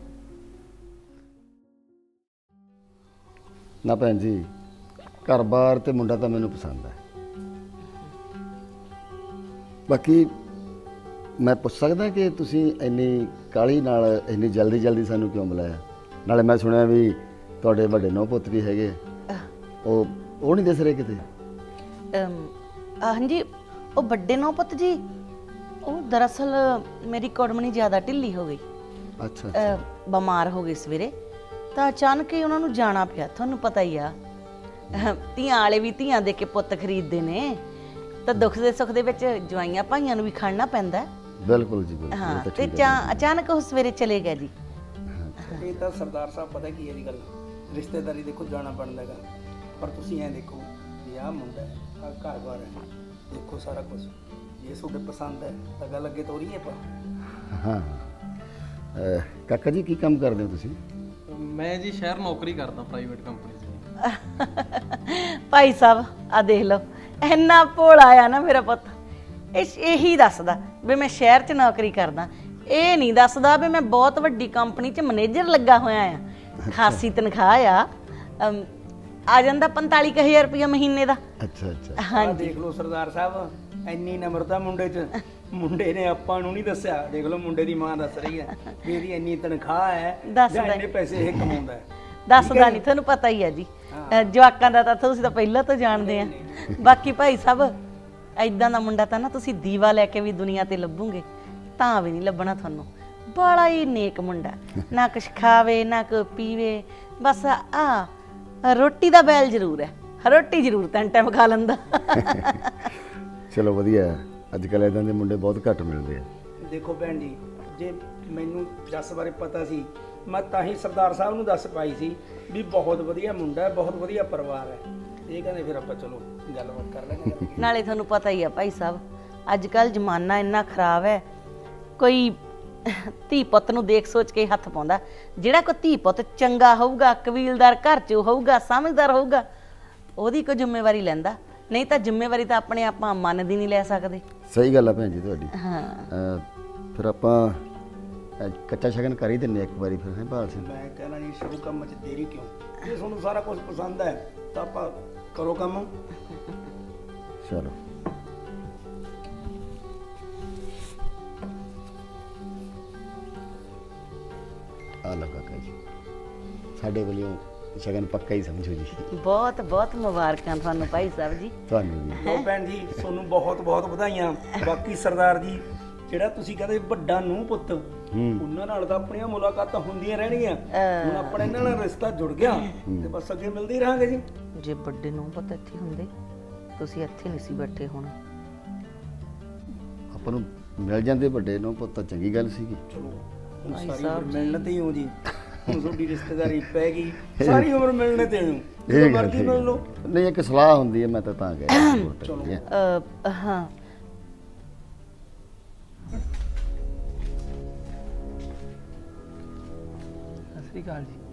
E: ਨਾ ਭੈਣ ਜੀ, ਘਰ-ਬਾਰ ਤੇ ਮੁੰਡਾ ਤਾਂ ਮੈਨੂੰ ਪਸੰਦ ਹੈ। ਬਾਕੀ ਮੈਂ ਪੁੱਛ ਸਕਦਾ ਕਿ ਤੁਸੀਂ ਇੰਨੀ ਕਾਹਲੀ ਨਾਲ ਇੰਨੀ ਜਲਦੀ ਜਲਦੀ ਸਾਨੂੰ ਕਿਉਂ ਬੁਲਾਇਆ? ਨਾਲੇ ਮੈਂ ਸੁਣਿਆ ਵੀ ਤੁਹਾਡੇ ਵੱਡੇ ਨੌ ਪੁੱਤ ਵੀ ਹੈਗੇ, ਉਹ ਉਹ ਨਹੀਂ ਦਿਸ ਰਹੇ ਕਿਤੇ?
G: ਹਾਂਜੀ, ਉਹ ਵੱਡੇ ਨੌ ਪੁੱਤ ਜੀ, ਉਹ ਦਰਅਸਲ ਮੇਰੀ ਕੁੜਮਣੀ ਜ਼ਿਆਦਾ ਢਿੱਲੀ ਹੋ ਗਈ।
E: ਅੱਛਾ
G: ਅਹ, ਬਿਮਾਰ ਹੋ ਗਈ ਸਵੇਰੇ, ਤਾਂ ਅਚਾਨਕ ਹੀ ਉਹਨਾਂ ਨੂੰ ਜਾਣਾ ਪਿਆ। ਤੁਹਾਨੂੰ ਪਤਾ ਹੀ ਆ, ਅਹ, ਧੀਆਂ ਵਾਲੇ ਵੀ ਧੀਆਂ ਦੇ ਕੇ ਪੁੱਤ ਖਰੀਦਦੇ ਨੇ, ਤਾਂ ਦੁੱਖ ਦੇ ਸੁੱਖ ਦੇ ਵਿੱਚ ਜਵਾਈਆਂ ਭਾਈਆਂ ਨੂੰ ਵੀ ਖੜਨਾ ਪੈਂਦਾ।
E: ਬਿਲਕੁਲ ਜੀ, ਬਿਲਕੁਲ।
G: ਹਾਂ,
E: ਇਹ ਤਾਂ
G: ਤੇ
E: ਠੀਕ ਹੈ।
G: ਚਾ- ਅਚਾਨਕ ਉਹ ਸਵੇਰੇ ਚਲੇ ਗਏ ਜੀ।
F: ਇਹ ਤਾਂ ਸਰਦਾਰ ਸਾਹਿਬ ਪਤਾ ਕੀ ਹੈ ਜੀ ਗੱਲ, ਰਿਸ਼ਤੇਦਾਰੀ ਦੇਖੋ ਜਾਣਾ ਬਣਦਾ ਹੈਗਾ, ਪਰ ਤੁਸੀਂ ਐਂ ਦੇਖੋ ਵੀ ਆਹ ਮੁੰਡਾ ਹੈ, ਆਹ ਘਰ-ਬਾਰ ਹੈ, ਦੇਖੋ ਸਾਰਾ ਕੁਝ। ਜੇ ਤੁਹਾਡੇ ਪਸੰਦ ਹੈ ਤਾਂ ਗੱਲ ਅੱਗੇ ਤੋਰੀਏ ਆਪਾਂ।
E: ਹਾਂ ਅਹ, ਕਾਕਾ ਜੀ ਕੀ ਕੰਮ ਕਰਦੇ ਹੋ ਤੁਸੀਂ?
H: ਮੈਂ ਜੀ ਸ਼ਹਿਰ ਨੌਕਰੀ ਕਰਦਾ ਪ੍ਰਾਈਵੇਟ ਕੰਪਨੀ 'ਚ।
G: ਭਾਈ ਸਾਹਿਬ ਆ ਦੇਖ ਲਓ, ਇੰਨਾ ਭੋਲਾ ਆ ਨਾ ਮੇਰਾ ਪੁੱਤ। ਇਹ ਇਹੀ ਦੱਸਦਾ ਵੀ ਮੈਂ ਸ਼ਹਿਰ 'ਚ ਨੌਕਰੀ ਕਰਦਾ। ਇਹ ਨਹੀਂ ਦੱਸਦਾ ਵੀ ਮੈਂ ਬਹੁਤ ਵੱਡੀ ਕੰਪਨੀ 'ਚ ਮੈਨੇਜਰ ਲੱਗਾ ਹੋਇਆ ਆ। ਖਾਸੀ ਤਨਖਾਹ ਆ, ਅਮ, ਆ ਜਾਂਦਾ ਪੰਤਾਲੀ ਕੁ ਹਜ਼ਾਰ ਰੁਪਇਆ ਮਹੀਨੇ ਦਾ।
E: ਅੱਛਾ ਅੱਛਾ।
F: ਆਹ ਦੇਖ ਲਓ ਸਰਦਾਰ ਸਾਹਿਬ, ਇੰਨੀ ਨਮਰਤਾ ਮੁੰਡੇ 'ਚ। ਮੁੰਡੇ ਨੇ ਆਪਾਂ ਨੂੰ ਨਹੀਂ ਦੱਸਿਆ। ਦੇਖ ਲਓ ਮੁੰਡੇ ਦੀ ਮਾਂ ਦੱਸ ਰਹੀ ਹੈ ਵੀ ਇਹਦੀ ਇੰਨੀ ਤਨਖਾਹ ਹੈ
G: ਦੱਸਦਾ
F: ਜਾਂ ਇੰਨੇ ਪੈਸੇ ਇਹ ਕਮਾਉਂਦਾ ਹੈ।
G: ਦੱਸਦਾ ਨਹੀਂ, ਤੁਹਾਨੂੰ ਪਤਾ ਹੀ ਆ ਜੀ। ਅ, ਜਵਾਕਾਂ ਦਾ ਤਾਂ ਤੁਸੀਂ ਤਾਂ ਪਹਿਲਾਂ ਤੋਂ ਜਾਣਦੇ ਆ। ਬਾਕੀ ਭਾਈ ਸਾਹਿਬ, ਐਦਾਂ ਦਾ ਮੁੰਡਾ ਤਾਂ ਨਾ ਤੁਸੀਂ ਦੀਵਾ ਲੈ ਕੇ ਵੀ ਦੁਨੀਆ ਤੇ ਲੱਭੋਗੇ ਤਾਂ ਵੀ ਨਹੀਂ ਲੱਭਣਾ ਤੁਹਾਨੂੰ। ਬੜਾ ਹੀ ਨੇਕ ਮੁੰਡਾ, ਨਾ ਕੁਛ ਖਾਵੇ ਨਾ ਕੋ ਪੀਵੇ, ਬਸ ਆ ਰੋਟੀ ਦਾ ਬੈਲ ਜ਼ਰੂਰ ਹੈ, ਰੋਟੀ ਜ਼ਰੂਰ ਤਿੰਨ ਟਾਈਮ ਖਾ ਲੈਂਦਾ।
E: ਚਲੋ ਵਧੀਆ ਹੈ। ਅੱਜ ਕੱਲ੍ਹ ਇਦਾਂ ਦੇ ਮੁੰਡੇ ਬਹੁਤ ਘੱਟ ਮਿਲਦੇ ਆ।
F: ਦੇਖੋ ਭੈਣ ਜੀ, ਜੇ ਮੈਨੂੰ ਜੱਸ ਬਾਰੇ ਪਤਾ ਸੀ ਮੈਂ ਤਾਂ ਹੀ ਸਰਦਾਰ ਸਾਹਿਬ ਨੂੰ ਦੱਸ ਪਾਈ ਸੀ ਵੀ ਬਹੁਤ ਵਧੀਆ ਮੁੰਡਾ ਹੈ, ਬਹੁਤ ਵਧੀਆ ਪਰਿਵਾਰ ਹੈ। ਇਹ ਕਹਿੰਦੇ ਫਿਰ ਆਪਾਂ ਚਲੋ ਗੱਲਬਾਤ ਕਰ ਲੈਂਦੇ।
G: ਨਾਲੇ ਤੁਹਾਨੂੰ ਪਤਾ ਹੀ ਆ ਭਾਈ ਸਾਹਿਬ, ਅੱਜ ਕੱਲ ਜ਼ਮਾਨਾ ਇੰਨਾ ਖਰਾਬ ਹੈ, ਕੋਈ ਧੀ ਪੁੱਤ ਨੂੰ ਦੇਖ ਸੋਚ ਕੇ ਹੱਥ ਪਾਉਂਦਾ। ਜਿਹੜਾ ਕੋਈ ਧੀ ਪੁੱਤ ਚੰਗਾ ਹੋਊਗਾ, ਕਬੀਲਦਾਰ ਘਰ 'ਚ ਹੋਊਗਾ, ਸਮਝਦਾਰ ਹੋਊਗਾ, ਉਹਦੀ ਕੋਈ ਜ਼ਿੰਮੇਵਾਰੀ ਲੈਂਦਾ। ਨਹੀਂ ਤਾਂ ਜ਼ਿੰਮੇਵਾਰੀ ਤਾਂ ਆਪਣੇ ਆਪਾਂ ਮਨ ਦੀ ਨਹੀਂ ਲੈ ਸਕਦੇ।
E: ਸਹੀ ਗੱਲ ਆ ਭੈਣ ਜੀ ਤੁਹਾਡੀ।
G: ਹਾਂ,
E: ਅਹ ਫਿਰ ਆਪਾਂ ਅਹ ਕੱਚਾ ਸ਼ਗਨ ਕਰ ਹੀ ਦਿੰਨੇ ਇੱਕ ਵਾਰੀ ਫਿਰ, ਹੈ ਭਾਲ ਸਿੰਘ?
F: ਮੈਂ ਕਹਿਣਾ ਜੀ ਸ਼ੁਰੂ ਕੰਮ 'ਚ ਦੇਰੀ ਕਿਉਂ? ਜੇ ਤੁਹਾਨੂੰ ਸਾਰਾ ਕੁਝ ਪਸੰਦ ਹੈ ਤਾਂ ਆਪਾਂ ਕਰੋ ਕੰਮ।
E: ਚਲੋ ਆ ਲਓ ਕਾਕਾ ਜੀ, ਸਾਡੇ ਵੱਲੋਂ ਸ਼ਗਨ ਪੱਕਾ ਹੀ ਸਮਝੋ ਜੀ।
G: ਬਹੁਤ ਬਹੁਤ ਮੁਬਾਰਕਾਂ ਤੁਹਾਨੂੰ ਭਾਈ ਸਾਹਿਬ ਜੀ।
E: ਤੁਹਾਨੂੰ ਵੀ।
F: ਲੋ ਭੈਣ ਜੀ, ਤੁਹਾਨੂੰ ਬਹੁਤ ਬਹੁਤ ਵਧਾਈਆਂ। ਬਾਕੀ ਸਰਦਾਰ ਜੀ, ਜਿਹੜਾ ਤੁਸੀਂ ਕਹਿੰਦੇ ਵੱਡਾ ਨੂੰਹ ਪੁੱਤ, ਉਹਨਾਂ ਨਾਲ ਤਾਂ ਆਪਣੀਆਂ ਮੁਲਾਕਾਤਾਂ ਹੁੰਦੀਆਂ ਰਹਿਣਗੀਆਂ। ਹੁਣ ਆਪਣਾ ਇਹਨਾਂ ਨਾਲ ਰਿਸ਼ਤਾ ਜੁੜ ਗਿਆ ਤੇ ਬਸ ਅੱਗੇ ਮਿਲਦੇ ਹੀ ਰਹਾਂਗੇ ਜੀ।
G: ਜੇ ਵੱਡੇ ਨੂੰ ਪਤਾ ਇੱਥੇ ਹੁੰਦੇ, ਤੁਸੀਂ ਇੱਥੇ ਨਹੀਂ ਸੀ ਬੈਠੇ ਹੋਣਾ।
E: ਆਪਾਂ ਨੂੰ ਮਿਲ ਜਾਂਦੇ ਵੱਡੇ ਨੂੰ ਪੁੱਤ ਤਾਂ ਚੰਗੀ ਗੱਲ ਸੀਗੀ।
F: ਚਲੋ ਹੁਣ ਸਾਰੀ ਉਮਰ ਮਿਲਣ ਤੇ ਹੀ ਹੋ ਜੀ। ਹੁਣ ਤੁਹਾਡੀ ਰਿਸ਼ਤੇਦਾਰੀ ਪੈ ਗਈ, ਸਾਰੀ ਉਮਰ ਮਿਲਣੇ ਤੇ ਹੋ। ਜਦੋਂ ਮਰਜ਼ੀ ਮਿਲ ਲਓ।
E: ਨਹੀਂ, ਇੱਕ ਸਲਾਹ ਹੁੰਦੀ ਹੈ, ਮੈਂ ਤਾਂ ਤਾਂ ਗਿਆ। ਚਲੋ
G: ਅ, ਹਾਂ,
F: ਸਤਿ ਸ਼੍ਰੀ ਅਕਾਲ ਜੀ।